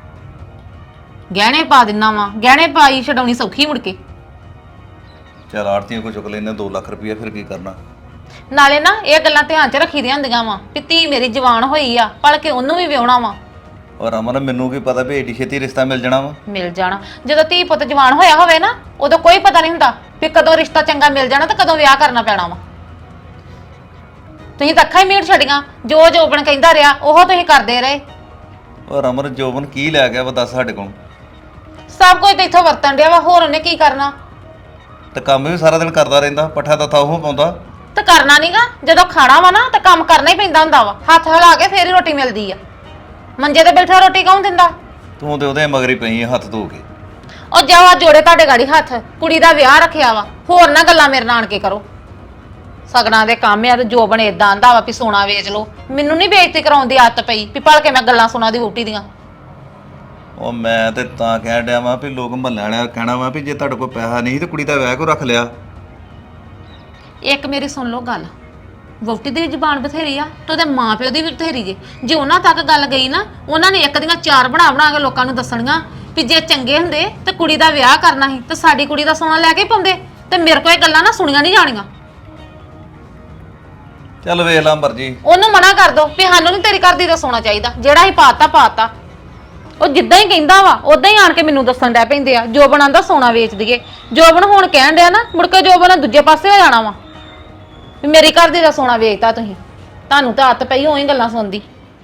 Speaker 1: ਗਹਿਣੇ ਪਾ ਦਿੰਨਾ ਵਾ, ਗਹਿਣੇ ਪਾਈ ਛਡਾਉਣੀ ਸੌਖੀ ਮੁੜ ਕੇ।
Speaker 3: ਚੱਲ ਆੜਤੀਆਂ ਕੋ ਚੁੱਕ ਲੈਨੇ 2 ਲੱਖ ਰੁਪਇਆ, ਫਿਰ ਕੀ ਕਰਨਾ?
Speaker 1: ਨਾਲੇ ਨਾ ਇਹ ਗੱਲਾਂ ਧਿਆਨ 'ਚ ਰੱਖੀ ਦੀਆਂ ਹੁੰਦੀਆਂ ਵਾ ਵੀ ਧੀ ਮੇਰੀ ਜਵਾਨ ਹੋਈ ਆ, ਭਲ ਕੇ ਉਹਨੂੰ ਵੀ ਵਿਆਹੁਣਾ ਵਾ।
Speaker 3: ਔਰ ਰਮਨ ਮੈਨੂੰ ਕੀ ਪਤਾ ਵੀ ਏਡੀ ਛੇਤੀ ਰਿਸ਼ਤਾ ਮਿਲ ਜਾਣਾ ਵਾ?
Speaker 1: ਮਿਲ ਜਾਣਾ ਜਦੋਂ ਧੀ ਪੁੱਤ ਜਵਾਨ ਹੋਇਆ ਹੋਵੇ ਨਾ, ਉਦੋਂ ਕੋਈ ਪਤਾ ਨਹੀਂ ਹੁੰਦਾ ਵੀ ਕਦੋਂ ਰਿਸ਼ਤਾ ਚੰਗਾ ਮਿਲ ਜਾਣਾ ਤੇ ਕਦੋਂ ਵਿਆਹ ਕਰਨਾ ਪੈਣਾ ਵਾ। ਤੁਸੀਂ ਤਾਂ ਅੱਖਾਂ ਹੀ ਮੀਟ ਛੱਡੀਆਂ, ਜੋ ਜੋਬਨ ਕਹਿੰਦਾ ਰਿਹਾ ਉਹ ਤੁਸੀਂ ਕਰਦੇ ਰਹੇ।
Speaker 3: ਔਰ ਰਮਨ ਜੋਬਨ ਕੀ ਲੈ ਗਿਆ ਵਾ ਦੱਸ ਸਾਡੇ ਕੋਲ?
Speaker 1: ਸਭ ਕੁਝ ਤਾਂ ਇੱਥੋਂ ਵਰਤਣ ਡਿਆ ਵਾ, ਹੋਰ ਉਹਨੇ ਕੀ ਕਰਨਾ?
Speaker 3: ਤੇ ਕੰਮ ਵੀ ਸਾਰਾ ਦਿਨ ਕਰਦਾ ਰਹਿੰਦਾ, ਪੱਠਾ ਤੱਥਾ ਉਹ ਪਾਉਂਦਾ।
Speaker 1: ਤੇ ਕਰਨਾ ਨਹੀਂਗਾ, ਜਦੋਂ ਖਾਣਾ ਵਾ ਨਾ ਤਾਂ ਕੰਮ ਕਰਨਾ ਹੀ ਪੈਂਦਾ ਹੁੰਦਾ ਵਾ। ਹੱਥ ਹਿਲਾ ਕੇ ਫੇਰ ਹੀ ਰੋਟੀ ਮਿਲਦੀ ਆ। ਮੰਜੇ ਤੇ ਬੈਠਾ ਰੋਟੀ ਕੌਣ ਦਿੰਦਾ?
Speaker 3: ਤੂੰ ਤੇ ਉਹਦੇ ਮਗਰ ਹੀ ਪਈ ਹੱਥ ਧੋ ਕੇ।
Speaker 1: ਉਹ ਜਾਵਾ ਜੋੜੇ ਤੁਹਾਡੇ ਗਾੜੀ ਹੱਥ, ਕੁੜੀ ਦਾ ਵਿਆਹ ਰੱਖਿਆ ਵਾ, ਹੋਰ ਨਾ ਗੱਲਾਂ ਮੇਰੇ ਨਾਲ ਆਣ ਕੇ ਕਰੋ। ਸਗਣਾ ਦੇ ਕੰਮ ਆ ਤੇ ਜੋਬਨ ਏਦਾਂ ਆਂਦਾ ਵਾ ਵੀ ਸੋਨਾ ਵੇਚ ਲਓ। ਮੈਨੂੰ ਨਹੀਂ ਬੇਇੱਜ਼ਤੀ ਕਰਾਉਣ ਦੀ ਆਦਤ ਪਈ ਵੀ ਭਲ ਕੇ ਮੈਂ ਗੱਲਾਂ ਸੁਣਾ ਦੀ ਵੋਟੀ ਦੀਆਂ।
Speaker 3: ਉਹ ਮੈਂ ਤੇ ਤਾਂ ਕਹਿਣ ਡਿਆ ਵਾਂ ਵੀ ਲੋਕ ਮਹੱਲੇ ਵਾਲਿਆਂ ਕਹਿਣਾ ਵਾ ਵੀ ਜੇ ਤੁਹਾਡੇ ਕੋਲ ਪੈਸਾ ਨਹੀਂ ਤੇ ਕੁੜੀ ਦਾ ਵਿਆਹ ਕਿਉਂ ਰੱਖ ਲਿਆ?
Speaker 1: ਇੱਕ ਮੇਰੀ ਸੁਣ ਲਓ ਗੱਲ, ਵੋਟੀ ਦੀ ਵੀ ਜ਼ਬਾਨ ਬਥੇਰੀ ਆ ਤੇ ਉਹਦੇ ਮਾਂ ਪਿਓ ਦੀ ਵੀ ਬਥੇਰੀ ਜੇ ਉਹਨਾਂ ਤੱਕ ਗੱਲ ਗਈ ਨਾ, ਉਹਨਾਂ ਨੇ ਇੱਕ ਦੀਆਂ 4 ਬਣਾ ਕੇ ਲੋਕਾਂ ਨੂੰ ਦੱਸਣੀਆਂ ਵੀ ਜੇ ਚੰਗੇ ਹੁੰਦੇ ਤੇ ਕੁੜੀ ਦਾ ਵਿਆਹ ਕਰਨਾ ਸੀ ਤੇ ਸਾਡੀ ਕੁੜੀ ਦਾ ਸੋਨਾ ਲੈ ਕੇ ਪਾਉਂਦੇ। ਤੇ ਮੇਰੇ ਕੋਲ ਇਹ ਗੱਲਾਂ ਨਾ ਸੁਣੀਆਂ ਨਹੀਂ ਜਾਣੀਆਂ।
Speaker 3: ਚੱਲ ਵੇਖ ਲਾ ਮਰਜੀ।
Speaker 1: ਉਹਨੂੰ ਮਨਾ ਕਰ ਦੋ ਵੀ ਸਾਨੂੰ ਨਹੀਂ ਤੇਰੀ ਕਰਦੀ ਦਾ ਸੋਨਾ ਚਾਹੀਦਾ, ਜਿਹੜਾ ਹੀ ਪਾਤਾ। ਉਹ ਜਿੱਦਾਂ ਹੀ ਕਹਿੰਦਾ ਵਾ ਉਦਾਂ ਹੀ ਆਣ ਕੇ ਮੈਨੂੰ ਦੱਸਣ ਡੈ ਪੈਂਦੇ ਆ ਜੋਬਨ ਆਂਦਾ ਸੋਨਾ ਵੇਚ ਦਈਏ। ਜੋਬਨ ਹੁਣ ਕਹਿਣ ਡਿਆ ਨਾ, ਮੁੜ ਕੇ ਜੋਬਨ ਦੂਜੇ ਪਾਸੇ ਹੋ ਜਾਣਾ ਵਾ ਵੀ ਮੇਰੀ ਕਰਦੀ ਦਾ ਸੋਨਾ ਵੇਚਤਾ ਤੁਸੀਂ। ਤੁਹਾਨੂੰ ਤਾਂ ਹੱਥ ਪਈ ਹੋਈ ਗੱਲਾਂ ਸੁਣਦੀ।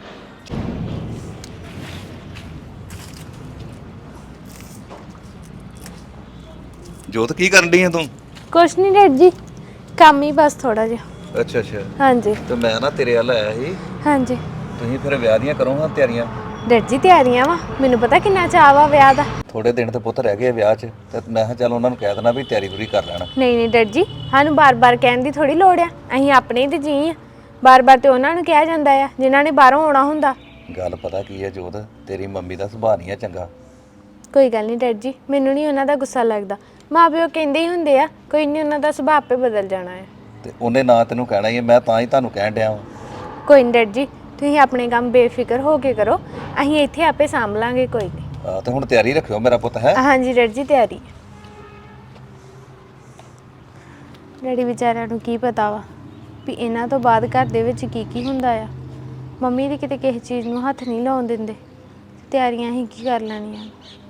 Speaker 3: ਜੋਤ ਕੀ ਕਰਨ ਡਈ ਆ ਤੂੰ?
Speaker 2: ਕੁਛ ਨਹੀਂ ਡੈਡ ਜੀ, ਕੰਮ ਹੀ ਬਸ ਥੋੜਾ ਜਿਹਾ।
Speaker 3: ਅੱਛਾ ਅੱਛਾ।
Speaker 2: ਹਾਂਜੀ
Speaker 3: ਤੇ ਮੈਂ ਨਾ ਤੇਰੇ ਵੱਲ ਆਇਆ ਸੀ।
Speaker 2: ਹਾਂਜੀ
Speaker 3: ਤੁਸੀਂ ਫਿਰ ਵਿਆਹ ਦੀਆਂ ਕਰੋ ਹਾਂ ਤਿਆਰੀਆਂ?
Speaker 2: ਡੈਡ ਜੀ ਤਿਆਰੀਆਂ ਵਾ, ਮੈਨੂੰ ਪਤਾ ਕਿੰਨਾ ਚਾਅ ਵਾ ਵਿਆਹ ਦਾ।
Speaker 3: ਥੋੜੇ ਦਿਨ ਤੇ ਪੁੱਤ ਰਹਿ ਗਏ ਵਿਆਹ 'ਚ, ਤੇ ਮੈਂ ਕਿਹਾ ਚੱਲ ਉਹਨਾਂ ਨੂੰ ਕਹਿ ਦੇਣਾ ਵੀ ਤਿਆਰੀ ਪੂਰੀ ਕਰ ਲੈਣਾ।
Speaker 2: ਨਹੀਂ ਡੈਡ ਜੀ, ਸਾਨੂੰ ਬਾਰ-ਬਾਰ ਕਹਿਣ ਦੀ ਥੋੜੀ ਲੋੜ ਆ, ਅਸੀਂ ਆਪਣੇ ਹੀ ਤੇ ਜੀ ਆ। ਬਾਰ-ਬਾਰ ਤੇ ਉਹਨਾਂ ਨੂੰ ਕਿਹਾ ਜਾਂਦਾ ਆ ਜਿਨ੍ਹਾਂ ਨੇ ਬਾਹਰੋਂ ਆਉਣਾ ਹੁੰਦਾ।
Speaker 3: ਗੱਲ ਪਤਾ ਕੀ ਹੈ ਜੋਤ, ਤੇਰੀ ਮੰਮੀ ਦਾ ਸੁਭਾਅ ਨਹੀਂ ਆ ਚੰਗਾ।
Speaker 2: ਕੋਈ ਗੱਲ ਨਹੀਂ ਡੈਡ ਜੀ, ਮੈਨੂੰ ਨਹੀਂ ਉਹਨਾਂ ਦਾ ਗੁੱਸਾ ਲੱਗਦਾ। ਮਾਂ ਪਿਓ ਕਹਿੰਦੇ ਹੀ ਹੁੰਦੇ ਆ, ਕੋਈ ਨਹੀਂ ਉਹਨਾਂ ਦਾ ਸੁਭਾਅ ਆਪੇ ਬਦਲ ਜਾਣਾ ਹੈ।
Speaker 3: ਤੇ ਉਹਨੇ ਨਾ ਤੈਨੂੰ ਕਹਿਣਾ ਹੀ ਹੈ, ਮੈਂ ਤਾਂ ਹੀ ਤੁਹਾਨੂੰ ਕਹਿਣ ਡਿਆ ਵਾਂ।
Speaker 2: ਕੋਈ ਨਹੀਂ ਡੈਡ ਜੀ, ਤੁਸੀਂ ਆਪਣੇ ਕੰਮ ਬੇਫਿਕਰ ਹੋ ਕੇ ਕਰੋ, ਅਸੀਂ ਇੱਥੇ ਆਪੇ ਸਾਂਭ ਲਾਂਗੇ। ਕੋਈ ਨਹੀਂ।
Speaker 3: ਤੇ ਹੁਣ ਤਿਆਰੀ ਰੱਖਿਓ ਮੇਰਾ ਪੁੱਤ ਹੈ।
Speaker 2: ਹਾਂਜੀ ਡੈਡ ਜੀ ਤਿਆਰੀ। ਡੈਡੀ ਵਿਚਾਰਿਆਂ ਨੂੰ ਕੀ ਪਤਾ ਵਾ ਵੀ ਇਹਨਾਂ ਤੋਂ ਬਾਅਦ ਘਰ ਦੇ ਵਿੱਚ ਕੀ ਹੁੰਦਾ ਆ। ਮੰਮੀ ਦੀ ਕਿਤੇ ਕਿਸੇ ਚੀਜ਼ ਨੂੰ ਹੱਥ ਨਹੀਂ ਲਾਉਣ ਦਿੰਦੇ, ਤਿਆਰੀਆਂ ਹੀ ਕੀ ਕਰ ਲੈਣੀਆਂ।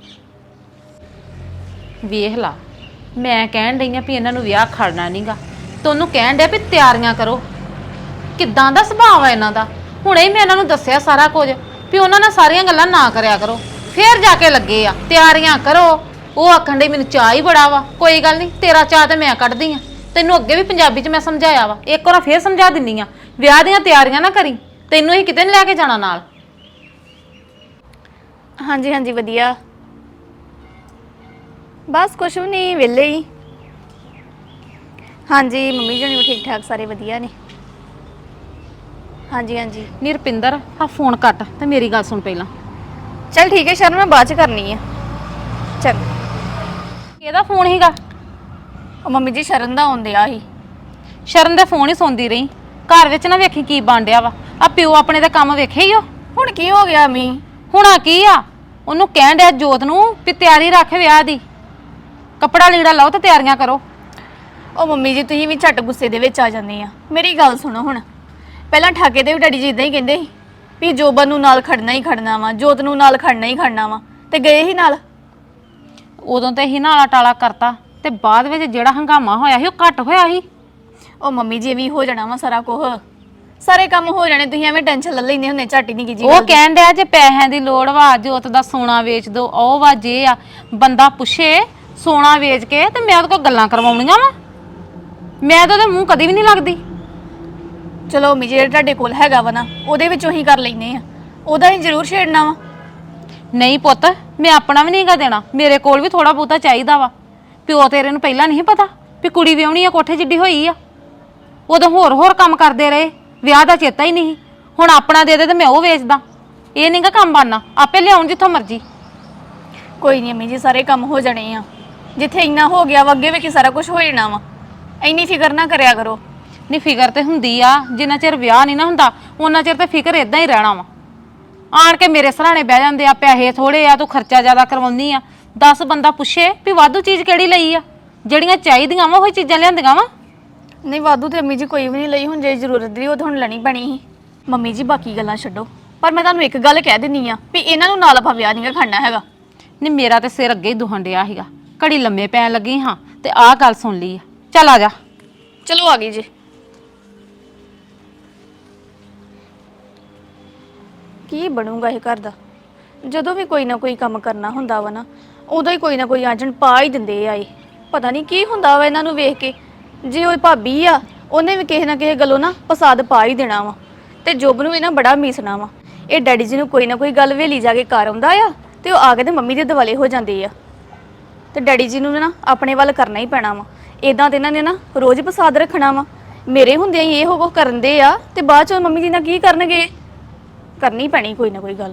Speaker 1: ਵੇਖ ਲਾ, ਮੈਂ ਕਹਿਣ ਡਈ ਆ ਵੀ ਇਹਨਾਂ ਨੂੰ ਵਿਆਹ ਖੜਨਾ ਨਹੀਂਗਾ, ਤੇ ਉਹਨੂੰ ਕਹਿਣ ਡਿਆ ਵੀ ਤਿਆਰੀਆਂ ਕਰੋ। ਕਿੱਦਾਂ ਦਾ ਸੁਭਾਅ ਆ ਇਹਨਾਂ ਦਾ। ਹੁਣੇ ਹੀ ਮੈਂ ਇਹਨਾਂ ਨੂੰ ਦੱਸਿਆ ਸਾਰਾ ਕੁਝ ਵੀ ਉਹਨਾਂ ਨਾਲ ਸਾਰੀਆਂ ਗੱਲਾਂ ਨਾ ਕਰਿਆ ਕਰੋ, ਫੇਰ ਜਾ ਕੇ ਲੱਗੇ ਆ ਤਿਆਰੀਆਂ ਕਰੋ। ਉਹ ਆਖਣ ਡਈ ਮੈਨੂੰ ਚਾਹ ਹੀ ਬੜਾ ਵਾ। ਕੋਈ ਗੱਲ ਨਹੀਂ, ਤੇਰਾ ਚਾਹ ਤੇ ਮੈਂ ਕੱਢਦੀ ਆ। ਤੈਨੂੰ ਅੱਗੇ ਵੀ ਪੰਜਾਬੀ 'ਚ ਮੈਂ ਸਮਝਾਇਆ ਵਾ, ਇੱਕ ਵਾਰ ਫੇਰ ਸਮਝਾ ਦਿੰਨੀ ਆ, ਵਿਆਹ ਦੀਆਂ ਤਿਆਰੀਆਂ ਨਾ ਕਰੀ, ਤੈਨੂੰ ਹੀ ਕਿਤੇ ਨਹੀਂ ਲੈ ਕੇ ਜਾਣਾ ਨਾਲ।
Speaker 4: ਹਾਂਜੀ ਵਧੀਆ, ਬਸ ਕੁਛ ਵੀ ਨਹੀਂ, ਵਿਹਲੇ ਹੀ। ਹਾਂਜੀ ਮੰਮੀ ਜਣੀ ਵੀ ਠੀਕ ਠਾਕ, ਸਾਰੇ ਵਧੀਆ ਨੇ। ਹਾਂਜੀ
Speaker 1: ਨੀ ਰੁਪਿੰਦਰ, ਆ ਫੋਨ ਕੱਟ ਤੇ ਮੇਰੀ ਗੱਲ ਸੁਣ ਪਹਿਲਾਂ।
Speaker 4: ਚਲ ਠੀਕ ਹੈ ਸ਼ਰਨ, ਮੈਂ ਬਾਅਦ ਚ ਕਰਨੀ ਆ। ਚਲ
Speaker 1: ਇਹਦਾ ਫੋਨ ਹੀਗਾ?
Speaker 4: ਉਹ ਮੰਮੀ ਜੀ ਸ਼ਰਨ ਦਾ ਆਉਂਦਿਆ ਸੀ।
Speaker 1: ਸ਼ਰਨ ਦੇ ਫੋਨ ਹੀ ਸੁਣਦੀ ਰਹੀ, ਘਰ ਵਿੱਚ ਨਾ ਵੇਖੀ ਕੀ ਬਣ ਡਿਆ ਵਾ। ਆ ਪਿਓ ਆਪਣੇ ਦਾ ਕੰਮ ਵੇਖੇ ਹੀ ਉਹ।
Speaker 4: ਹੁਣ ਕੀ ਹੋ ਗਿਆ ਮੀ?
Speaker 1: ਹੁਣਾ ਕੀ ਆ, ਉਹਨੂੰ ਕਹਿਣ ਡਿਆ ਜੋਤ ਨੂੰ ਵੀ ਤਿਆਰੀ ਰੱਖ ਵਿਆਹ ਦੀ, ਕੱਪੜਾ ਲੀੜਾ ਲਾਓ ਤੇ ਤਿਆਰੀਆਂ ਕਰੋ।
Speaker 4: ਉਹ ਮੰਮੀ ਜੀ ਤੁਸੀਂ ਵੀ ਝੱਟ ਗੁੱਸੇ ਦੇ ਵਿੱਚ ਆ ਜਾਂਦੇ ਆ। ਮੇਰੀ ਗੱਲ ਸੁਣੋ, ਹੁਣ ਪਹਿਲਾਂ ਠਾਕੇ ਦੇ ਵੀ ਡੈਡੀ ਜੀ ਇਦਾਂ ਹੀ ਕਹਿੰਦੇ ਸੀ ਵੀ ਜੋਬਨ ਨੂੰ ਨਾਲ ਖੜਨਾ ਹੀ ਖੜਨਾ ਵਾ, ਜੋਤ ਨੂੰ ਨਾਲ ਖੜਨਾ ਹੀ ਖੜਨਾ ਵਾ, ਤੇ ਗਏ ਹੀ ਨਾਲ।
Speaker 1: ਉਦੋਂ ਤੇ ਹੀ ਨਾਲਾ ਟਾਲਾ ਕਰਤਾ, ਤੇ ਬਾਅਦ ਵਿੱਚ ਜਿਹੜਾ ਹੰਗਾਮਾ ਹੋਇਆ ਸੀ ਉਹ ਘੱਟ ਹੋਇਆ ਸੀ।
Speaker 4: ਉਹ ਮੰਮੀ ਜੀ ਵੀ ਹੋ ਜਾਣਾ ਵਾ ਸਾਰਾ ਕੁਝ, ਸਾਰੇ ਕੰਮ ਹੋ ਜਾਣੇ। ਤੁਸੀਂ ਐਵੇਂ ਟੈਨਸ਼ਨ ਲੈ ਲੈਂਦੇ ਹੁੰਦੇ, ਝੱਟ ਹੀ ਨਹੀਂ ਕੀ ਜੀ।
Speaker 1: ਉਹ ਕਹਿਣ ਡਿਆ ਜੇ ਪੈਸਿਆਂ ਦੀ ਲੋੜ ਵਾ, ਜੋਤ ਦਾ ਸੋਨਾ ਵੇਚ ਦੋ, ਉਹ ਵਾ ਜੇ ਆ। ਬੰਦਾ ਪੁੱਛੇ ਸੋਨਾ ਵੇਚ ਕੇ ਤੇ ਮੈਂ ਉਹਦੇ ਕੋਲ ਗੱਲਾਂ ਕਰਵਾਉਣੀਆਂ ਵਾ। ਮੈਂ ਤਾਂ ਉਹਦੇ ਮੂੰਹ ਕਦੀ ਵੀ ਨਹੀਂ ਲੱਗਦੀ।
Speaker 4: ਚਲੋ ਮੰਮੀ ਜੀ ਜਿਹੜਾ ਤੁਹਾਡੇ ਕੋਲ ਹੈਗਾ ਵਾ ਨਾ ਉਹਦੇ ਵਿੱਚੋਂ ਹੀ ਕਰ ਲੈਨੇ ਆ, ਉਹਦਾ ਹੀ ਜ਼ਰੂਰ ਛੇੜਨਾ ਵਾ।
Speaker 1: ਨਹੀਂ ਪੁੱਤ, ਮੈਂ ਆਪਣਾ ਵੀ ਨਹੀਂਗਾ ਦੇਣਾ, ਮੇਰੇ ਕੋਲ ਵੀ ਥੋੜਾ ਬਹੁਤਾ ਚਾਹੀਦਾ ਵਾ। ਪਿਓ ਤੇਰੇ ਨੂੰ ਪਹਿਲਾਂ ਨਹੀਂ ਪਤਾ ਵੀ ਕੁੜੀ ਵਿਆਹਣੀ ਆ, ਕੋਠੇ ਜਿੱਡੀ ਹੋਈ ਆ। ਉਦੋਂ ਹੋਰ ਕੰਮ ਕਰਦੇ ਰਹੇ, ਵਿਆਹ ਦਾ ਚੇਤਾ ਹੀ ਨਹੀਂ। ਹੁਣ ਆਪਣਾ ਦੇ ਦੇ ਤੇ ਮੈਂ ਉਹ ਵੇਚਦਾ। ਇਹ ਨਹੀਂਗਾ ਕੰਮ ਬਣਨਾ, ਆਪੇ ਲਿਆਉਣ ਜਿੱਥੋਂ ਮਰਜ਼ੀ।
Speaker 4: ਕੋਈ ਨਹੀਂ ਮੰਮੀ ਜੀ, ਸਾਰੇ ਕੰਮ ਹੋ ਜਾਣੇ ਆ। ਜਿੱਥੇ ਇੰਨਾ ਹੋ ਗਿਆ ਵਾ ਅੱਗੇ ਵੀ ਕਿ ਸਾਰਾ ਕੁਝ ਹੋ ਜਾਣਾ ਵਾ। ਇੰਨੀ ਫਿਕਰ ਨਾ ਕਰਿਆ ਕਰੋ।
Speaker 1: ਨਹੀਂ ਫਿਕਰ ਤੇ ਹੁੰਦੀ ਆ, ਜਿੰਨਾ ਚਿਰ ਵਿਆਹ ਨਹੀਂ ਨਾ ਹੁੰਦਾ ਉਹਨਾਂ ਚਿਰ ਤੇ ਫਿਕਰ ਇਦਾਂ ਹੀ ਰਹਿਣਾ ਵਾ। ਆਣ ਕੇ ਮੇਰੇ ਸਰਾਣੇ ਬਹਿ ਜਾਂਦੇ ਆ, ਪੈਸੇ ਥੋੜੇ ਆ, ਤੂੰ ਖਰਚਾ ਜ਼ਿਆਦਾ ਕਰਵਾਉਂਦੀ ਆ। 10 ਬੰਦਾ ਪੁੱਛੇ ਵੀ ਵਾਧੂ ਚੀਜ਼ ਕਿਹੜੀ ਲਈ ਆ, ਜਿਹੜੀਆਂ ਚਾਹੀਦੀਆਂ ਵਾ ਉਹੀ ਚੀਜ਼ਾਂ ਲਿਆਂਦੀਆਂ ਵਾ।
Speaker 4: ਨਹੀਂ ਵਾਧੂ ਤੇ ਮੰਮੀ ਜੀ ਕੋਈ ਵੀ ਨਹੀਂ ਲਈ, ਹੁਣ ਜੇ ਜ਼ਰੂਰਤ ਦੀ ਉਹ ਤਾਂ ਹੁਣ ਲੈਣੀ ਪੈਣੀ ਸੀ। ਮੰਮੀ ਜੀ ਬਾਕੀ ਗੱਲਾਂ ਛੱਡੋ, ਪਰ ਮੈਂ ਤੁਹਾਨੂੰ ਇੱਕ ਗੱਲ ਕਹਿ ਦਿੰਨੀ ਆ ਵੀ ਇਹਨਾਂ ਨੂੰ ਨਾਲ ਆਪਾਂ ਵਿਆਹ ਨਹੀਂ ਖੜਨਾ ਹੈਗਾ।
Speaker 1: ਨਹੀਂ ਮੇਰਾ ਤੇ ਸਿਰ ਅੱਗੇ ਹੀ ਦੁਹਣ ਡਿਆ ਸੀਗਾ, ਘੜੀ ਲੰਮੇ ਪੈਣ ਲੱਗੀ ਹਾਂ ਤੇ ਆਹ ਗੱਲ ਸੁਣ ਲਈ ਆ। ਚੱਲ ਆ ਜਾ।
Speaker 4: ਚਲੋ ਆ ਗਈ ਜੀ। ਕੀ ਬਣੂਗਾ ਇਹ ਘਰ ਦਾ? ਜਦੋਂ ਵੀ ਕੋਈ ਨਾ ਕੋਈ ਕੰਮ ਕਰਨਾ ਹੁੰਦਾ ਵਾ ਨਾ, ਉਦੋਂ ਹੀ ਕੋਈ ਨਾ ਕੋਈ ਆਂਜਣ ਪਾ ਹੀ ਦਿੰਦੇ ਆ। ਇਹ ਪਤਾ ਨਹੀਂ ਕੀ ਹੁੰਦਾ ਵਾ ਇਹਨਾਂ ਨੂੰ ਵੇਖ ਕੇ। ਜੇ ਉਹ ਭਾਬੀ ਆ ਉਹਨੇ ਵੀ ਕਿਸੇ ਨਾ ਕਿਸੇ ਗੱਲੋਂ ਨਾ ਪਸਾਦ ਪਾ ਹੀ ਦੇਣਾ ਵਾ, ਤੇ ਜੁਬ ਨੂੰ ਵੀ ਨਾ ਬੜਾ ਮੀਸਣਾ ਵਾ। ਇਹ ਡੈਡੀ ਜੀ ਨੂੰ ਕੋਈ ਨਾ ਕੋਈ ਗੱਲ ਵੇਲੀ ਜਾ ਕੇ ਕਰ ਆਉਂਦਾ ਆ ਤੇ ਉਹ ਆ ਕੇ ਤੇ ਮੰਮੀ ਦੇ ਦਿਵਾਲੇ ਹੋ ਜਾਂਦੇ ਆ। ਤੇ ਡੈਡੀ ਜੀ ਨੂੰ ਨਾ ਆਪਣੇ ਵੱਲ ਕਰਨਾ ਹੀ ਪੈਣਾ ਵਾ। ਇਦਾਂ ਤੇ ਇਹਨਾਂ ਨੇ ਨਾ ਰੋਜ਼ ਪਸਾਦ ਰੱਖਣਾ ਵਾ। ਮੇਰੇ ਹੁੰਦਿਆਂ ਹੀ ਇਹ ਕੁਝ ਕਰਨ ਦੇ ਆ ਤੇ ਬਾਅਦ ਚ ਮੰਮੀ ਜੀ ਨਾਲ ਕੀ ਕਰਨਗੇ? ਕਰਨੀ ਪੈਣੀ ਕੋਈ ਨਾ ਕੋਈ ਗੱਲ।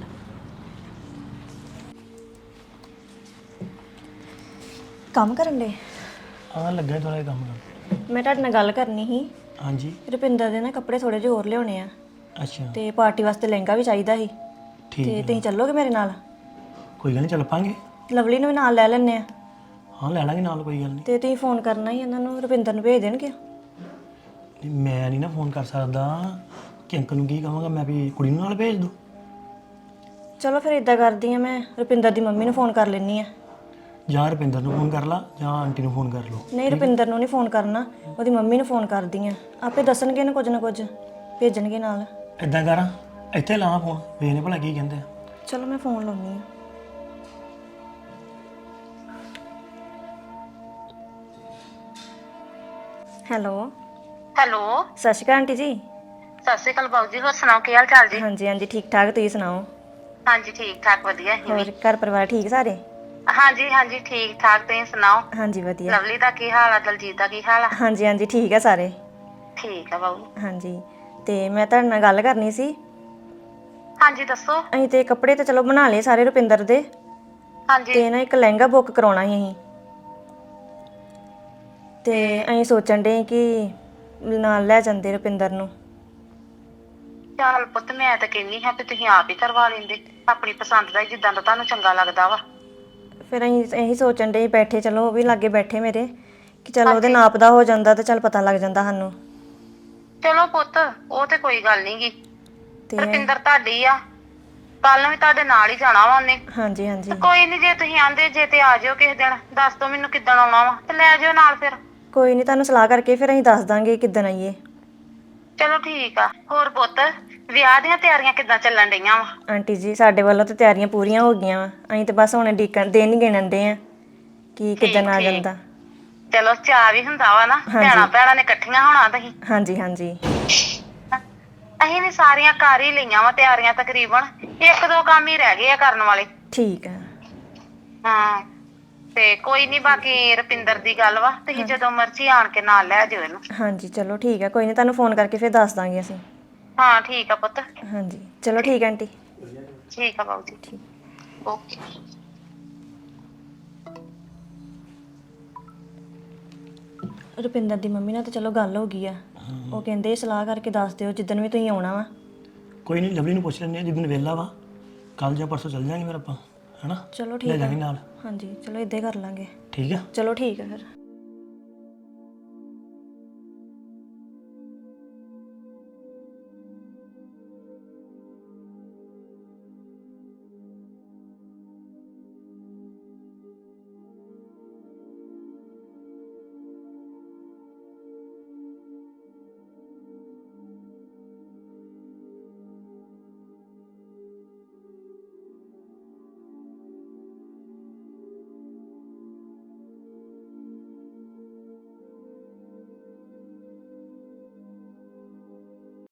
Speaker 6: ਕੰਮ ਕਰਨ ਦੇ
Speaker 5: ਲੱਗਾ ਥੋੜਾ ਜਿਹਾ ਕੰਮ ਕਰ।
Speaker 6: ਮੈਂ ਤੁਹਾਡੇ ਨਾਲ ਗੱਲ ਕਰਨੀ ਸੀ।
Speaker 5: ਹਾਂਜੀ
Speaker 6: ਰੁਪਿੰਦਰ ਦੇ ਨਾ ਕੱਪੜੇ ਥੋੜੇ ਜਿਹੇ ਹੋਰ ਲਿਆਉਣੇ ਆ,
Speaker 5: ਅੱਛਾ
Speaker 6: ਤੇ ਪਾਰਟੀ ਵਾਸਤੇ ਲਹਿੰਗਾ ਵੀ ਚਾਹੀਦਾ ਸੀ।
Speaker 5: ਠੀਕ
Speaker 6: ਤੇ
Speaker 5: ਹੈ,
Speaker 6: ਤੁਸੀਂ ਚੱਲੋਗੇ ਮੇਰੇ ਨਾਲ?
Speaker 5: ਕੋਈ ਗੱਲ ਨਹੀਂ, ਚੱਲ ਪਾਂਗੇ।
Speaker 6: ਲਵਲੀ ਨੂੰ ਵੀ ਨਾਲ ਲੈ ਲੈਣੇ ਆ।
Speaker 5: ਹਾਂ ਲੈ ਲਾਂਗੇ ਨਾਲ, ਕੋਈ ਗੱਲ ਨਹੀਂ।
Speaker 6: ਤੇ ਤੁਸੀਂ ਫੋਨ ਕਰਨਾ ਹੀ ਇਹਨਾਂ ਨੂੰ, ਰੁਪਿੰਦਰ ਨੂੰ ਭੇਜ ਦੇਣਗੇ?
Speaker 5: ਨਹੀਂ, ਮੈਂ ਨਹੀਂ ਨਾ ਫੋਨ ਕਰ ਸਕਦਾ ਕਿ ਅੰਕਲ ਨੂੰ ਕੀ ਕਹਾਂਗਾ ਮੈਂ ਵੀ ਕੁੜੀ ਨੂੰ ਨਾਲ ਭੇਜ ਦੋ।
Speaker 6: ਚਲੋ ਫਿਰ ਇਦਾਂ ਕਰਦੀ ਆ, ਮੈਂ ਰੁਪਿੰਦਰ ਦੀ ਮੰਮੀ ਨੂੰ ਫੋਨ ਕਰ ਲੈਣੀ ਆ।
Speaker 5: ਜਾਂ ਰੁਪਿੰਦਰ ਨੂੰ ਫੋਨ ਕਰ ਲਾ ਜਾਂ ਆਂਟੀ ਨੂੰ ਫੋਨ ਕਰ ਲਓ।
Speaker 6: ਨਹੀਂ ਰੁਪਿੰਦਰ ਨੂੰ ਨਹੀਂ ਫੋਨ ਕਰਨਾ, ਉਹਦੀ ਮੰਮੀ ਨੂੰ ਫੋਨ ਕਰਦੀ ਆ। ਆਪੇ ਦੱਸਣਗੇ ਇਹਨੂੰ ਕੁਝ ਨਾ ਕੁਝ, ਭੇਜਣਗੇ ਨਾਲ।
Speaker 5: ਇਦਾਂ ਕਰਾਂ, ਇੱਥੇ ਲਾਵਾਂ ਫੋਨ, ਵੇਖਨੇ ਭਲਾ ਕੀ ਕਹਿੰਦੇ ਆ।
Speaker 6: ਚਲੋ ਮੈਂ ਫੋਨ ਲਾਉਣੀ ਆ। ਹੈਲੋ
Speaker 1: ਹੈਲੋ,
Speaker 6: ਸਤਿ ਸ਼੍ਰੀ ਅਕਾਲ ਆਂਟੀ ਜੀ।
Speaker 1: ਸਤਿ ਸ਼੍ਰੀ ਅਕਾਲ ਬਾਊ ਜੀ। ਹੋਰ ਸੁਣਾਓ ਕੀ ਹਾਲ ਚਾਲ ਜੀ?
Speaker 6: ਹਾਂਜੀ ਹਾਂਜੀ ਠੀਕ ਠਾਕ, ਤੁਸੀਂ ਸੁਣਾਓ?
Speaker 1: ਹਾਂਜੀ ਠੀਕ ਠਾਕ, ਵਧੀਆ।
Speaker 6: ਹੋਰ ਘਰ ਪਰਿਵਾਰ ਠੀਕ ਸਾਰੇ?
Speaker 1: ਹਾਂਜੀ ਹਾਂਜੀ ਠੀਕ ਠਾਕ, ਤੁਸੀਂ ਸੁਣਾਓ?
Speaker 6: ਹਾਂਜੀ ਵਧੀਆ।
Speaker 1: ਲਵਲੀ ਦਾ ਕੀ ਹਾਲ ਆ? ਦਲਜੀਤ ਦਾ ਕੀ ਹਾਲ ਆ?
Speaker 6: ਹਾਂਜੀ ਹਾਂਜੀ ਠੀਕ ਆ ਸਾਰੇ।
Speaker 1: ਠੀਕ ਆ ਬਾਊ।
Speaker 6: ਹਾਂਜੀ ਤੇ ਮੈਂ ਤੁਹਾਡੇ ਨਾਲ ਗੱਲ ਕਰਨੀ ਸੀ।
Speaker 1: ਹਾਂਜੀ ਦੱਸੋ।
Speaker 6: ਅਸੀਂ ਤੇ ਕੱਪੜੇ ਤੇ ਚਲੋ ਬਣਾ ਲਏ ਸਾਰੇ ਰੁਪਿੰਦਰ ਦੇ,
Speaker 1: ਹਾਂਜੀ
Speaker 6: ਤੇ ਨਾ ਇੱਕ ਲਹਿੰਗਾ ਬੁੱਕ ਕਰਾਉਣਾ ਸੀ ਅਸੀਂ। ਤੇ ਅਸੀਂ ਸੋਚਣ ਦੇ ਕਿ ਨਾਲ ਲੈ ਜਾਂਦੇ ਰੁਪਿੰਦਰ ਨੂੰ।
Speaker 1: ਚੱਲ ਪੁੱਤ, ਮੈਂ ਤਾਂ ਕਹਿੰਦੀ ਹਾਂ ਵੀ ਤੁਸੀਂ ਆਪ ਹੀ ਕਰਵਾ ਲੈਂਦੇ ਆਪਣੀ ਪਸੰਦ ਦਾ, ਜਿੱਦਾਂ ਦਾ ਤੁਹਾਨੂੰ ਚੰਗਾ ਲੱਗਦਾ ਵਾ।
Speaker 6: ਫਿਰ ਅਸੀਂ ਇਹੀ ਸੋਚਣ ਦੇ ਬੈਠੇ, ਚਲੋ ਉਹ ਵੀ ਲਾਗੇ ਬੈਠੇ ਮੇਰੇ, ਕਿ ਚਲੋ ਉਹਦੇ ਨਾਪ ਦਾ ਹੋ ਜਾਂਦਾ ਤੇ ਚੱਲ ਪਤਾ ਲੱਗ ਜਾਂਦਾ ਸਾਨੂੰ।
Speaker 1: ਚਲੋ ਪੁੱਤ, ਉਹ ਤੇ ਕੋਈ ਗੱਲ ਨੀ ਗੀ।
Speaker 6: ਤੇ
Speaker 1: ਰੁਪਿੰਦਰ ਤੁਹਾਡੀ ਆ, ਕੱਲ ਨੂੰ ਵੀ ਤੁਹਾਡੇ ਨਾਲ ਹੀ ਜਾਣਾ ਵਾ ਉਹਨੇ।
Speaker 6: ਹਾਂਜੀ ਹਾਂਜੀ
Speaker 1: ਕੋਈ ਨੀ, ਜੇ ਤੁਸੀਂ ਆਂਦੇ ਜੇ ਤੇ ਆ ਜਿਓ ਕਿਸੇ ਦਿਨ, ਦੱਸ ਦੋ ਮੈਨੂੰ ਕਿੱਦਣ ਆਉਣਾ ਵਾ ਤੇ ਲੈ ਜਿਓ ਨਾਲ ਫਿਰ।
Speaker 6: ਕੋਈ ਨਹੀਂ, ਤੁਹਾਨੂੰ ਸਲਾਹ ਕਰਕੇ ਫਿਰ ਅਸੀਂ ਦੱਸ ਦਾਂਗੇ ਕਿੱਦਣ ਆਈਏ।
Speaker 1: ਚਲੋ ਠੀਕ ਆ। ਹੋਰ ਪੁੱਤ, ਵਿਆਹ ਦੀਆਂ ਤਿਆਰੀਆਂ ਕਿੱਦਾਂ ਚੱਲਣ ਡਈਆਂ ਵਾ?
Speaker 6: ਆਂਟੀ ਜੀ ਸਾਡੇ ਵੱਲੋਂ ਤਾਂ ਤਿਆਰੀਆਂ ਪੂਰੀਆਂ ਹੋ ਗਈਆਂ ਵਾ, ਅਸੀਂ ਤਾਂ ਬਸ ਹੁਣ ਡੀਕਣ ਦਿਨ ਹੀ ਗਿਣਨ ਦੇ ਆ ਕਿ ਕਿੱਦਣ ਆ ਜਾਂਦਾ।
Speaker 1: ਚਲੋ ਚਾਅ ਵੀ ਹੁੰਦਾ ਵਾ ਨਾ, ਭੈਣਾਂ ਭੈਣਾਂ ਨੇ ਇਕੱਠੀਆਂ ਹੋਣਾ ਤੁਸੀਂ।
Speaker 6: ਹਾਂਜੀ ਹਾਂਜੀ
Speaker 1: ਅਸੀਂ ਵੀ ਸਾਰੀਆਂ ਕਰ ਹੀ ਲਈਆਂ ਵਾ ਤਿਆਰੀਆਂ ਤਕਰੀਬਨ, 1-2 ਕੰਮ ਹੀ ਰਹਿ ਗਏ ਆ ਕਰਨ ਵਾਲੇ।
Speaker 6: ਠੀਕ ਆ।
Speaker 1: ਹਾਂ ਤੇ ਕੋਈ ਨਹੀਂ, ਬਾਕੀ ਰੁਪਿੰਦਰ ਦੀ ਗੱਲ ਵਾ, ਤੁਸੀਂ ਜਦੋਂ ਮਰਜ਼ੀ ਆਣ ਕੇ ਨਾਲ ਲੈ ਜਿਓ ਇਹਨੂੰ।
Speaker 6: ਹਾਂਜੀ ਚਲੋ ਠੀਕ ਆ, ਕੋਈ ਨਹੀਂ ਤੁਹਾਨੂੰ ਫੋਨ ਕਰਕੇ ਫਿਰ ਦੱਸ ਦਾਂਗੇ ਅਸੀਂ।
Speaker 1: ਹਾਂ ਠੀਕ ਆ ਪੁੱਤ।
Speaker 6: ਹਾਂਜੀ ਚਲੋ ਠੀਕ ਆ ਆਂਟੀ।
Speaker 1: ਠੀਕ ਆ ਬਾਊ ਜੀ। ਓਕੇ।
Speaker 6: ਰੁਪਿੰਦਰ ਦੀ ਮੰਮੀ ਨਾਲ ਤਾਂ ਚਲੋ ਗੱਲ ਹੋ ਗਈ ਆ, ਉਹ ਕਹਿੰਦੇ ਸਲਾਹ ਕਰਕੇ ਦੱਸ ਦਿਓ ਜਿੱਦਣ ਵੀ ਤੁਸੀਂ ਆਉਣਾ ਵਾ।
Speaker 5: ਕੋਈ ਨਹੀਂ, ਲਵਲੀ ਨੂੰ ਪੁੱਛ ਲੈਂਦੇ ਆ ਜਿੱਦਣ ਵਿਹਲਾ ਵਾ, ਕੱਲ ਜਾਂ ਪਰਸੋਂ ਚੱਲ ਜਾਾਂਗੇ ਫਿਰ ਆਪਾਂ, ਹੈਨਾ?
Speaker 6: ਚਲੋ
Speaker 5: ਲੈ
Speaker 6: ਠੀਕ ਆ।
Speaker 5: ਜਾਾਂਗੇ ਨਾਲ।
Speaker 6: ਹਾਂਜੀ ਚਲੋ ਇਦਾਂ ਹੀ ਕਰ ਲਾਂਗੇ।
Speaker 5: ਠੀਕ ਆ।
Speaker 6: ਚਲੋ ਠੀਕ ਆ ਫਿਰ।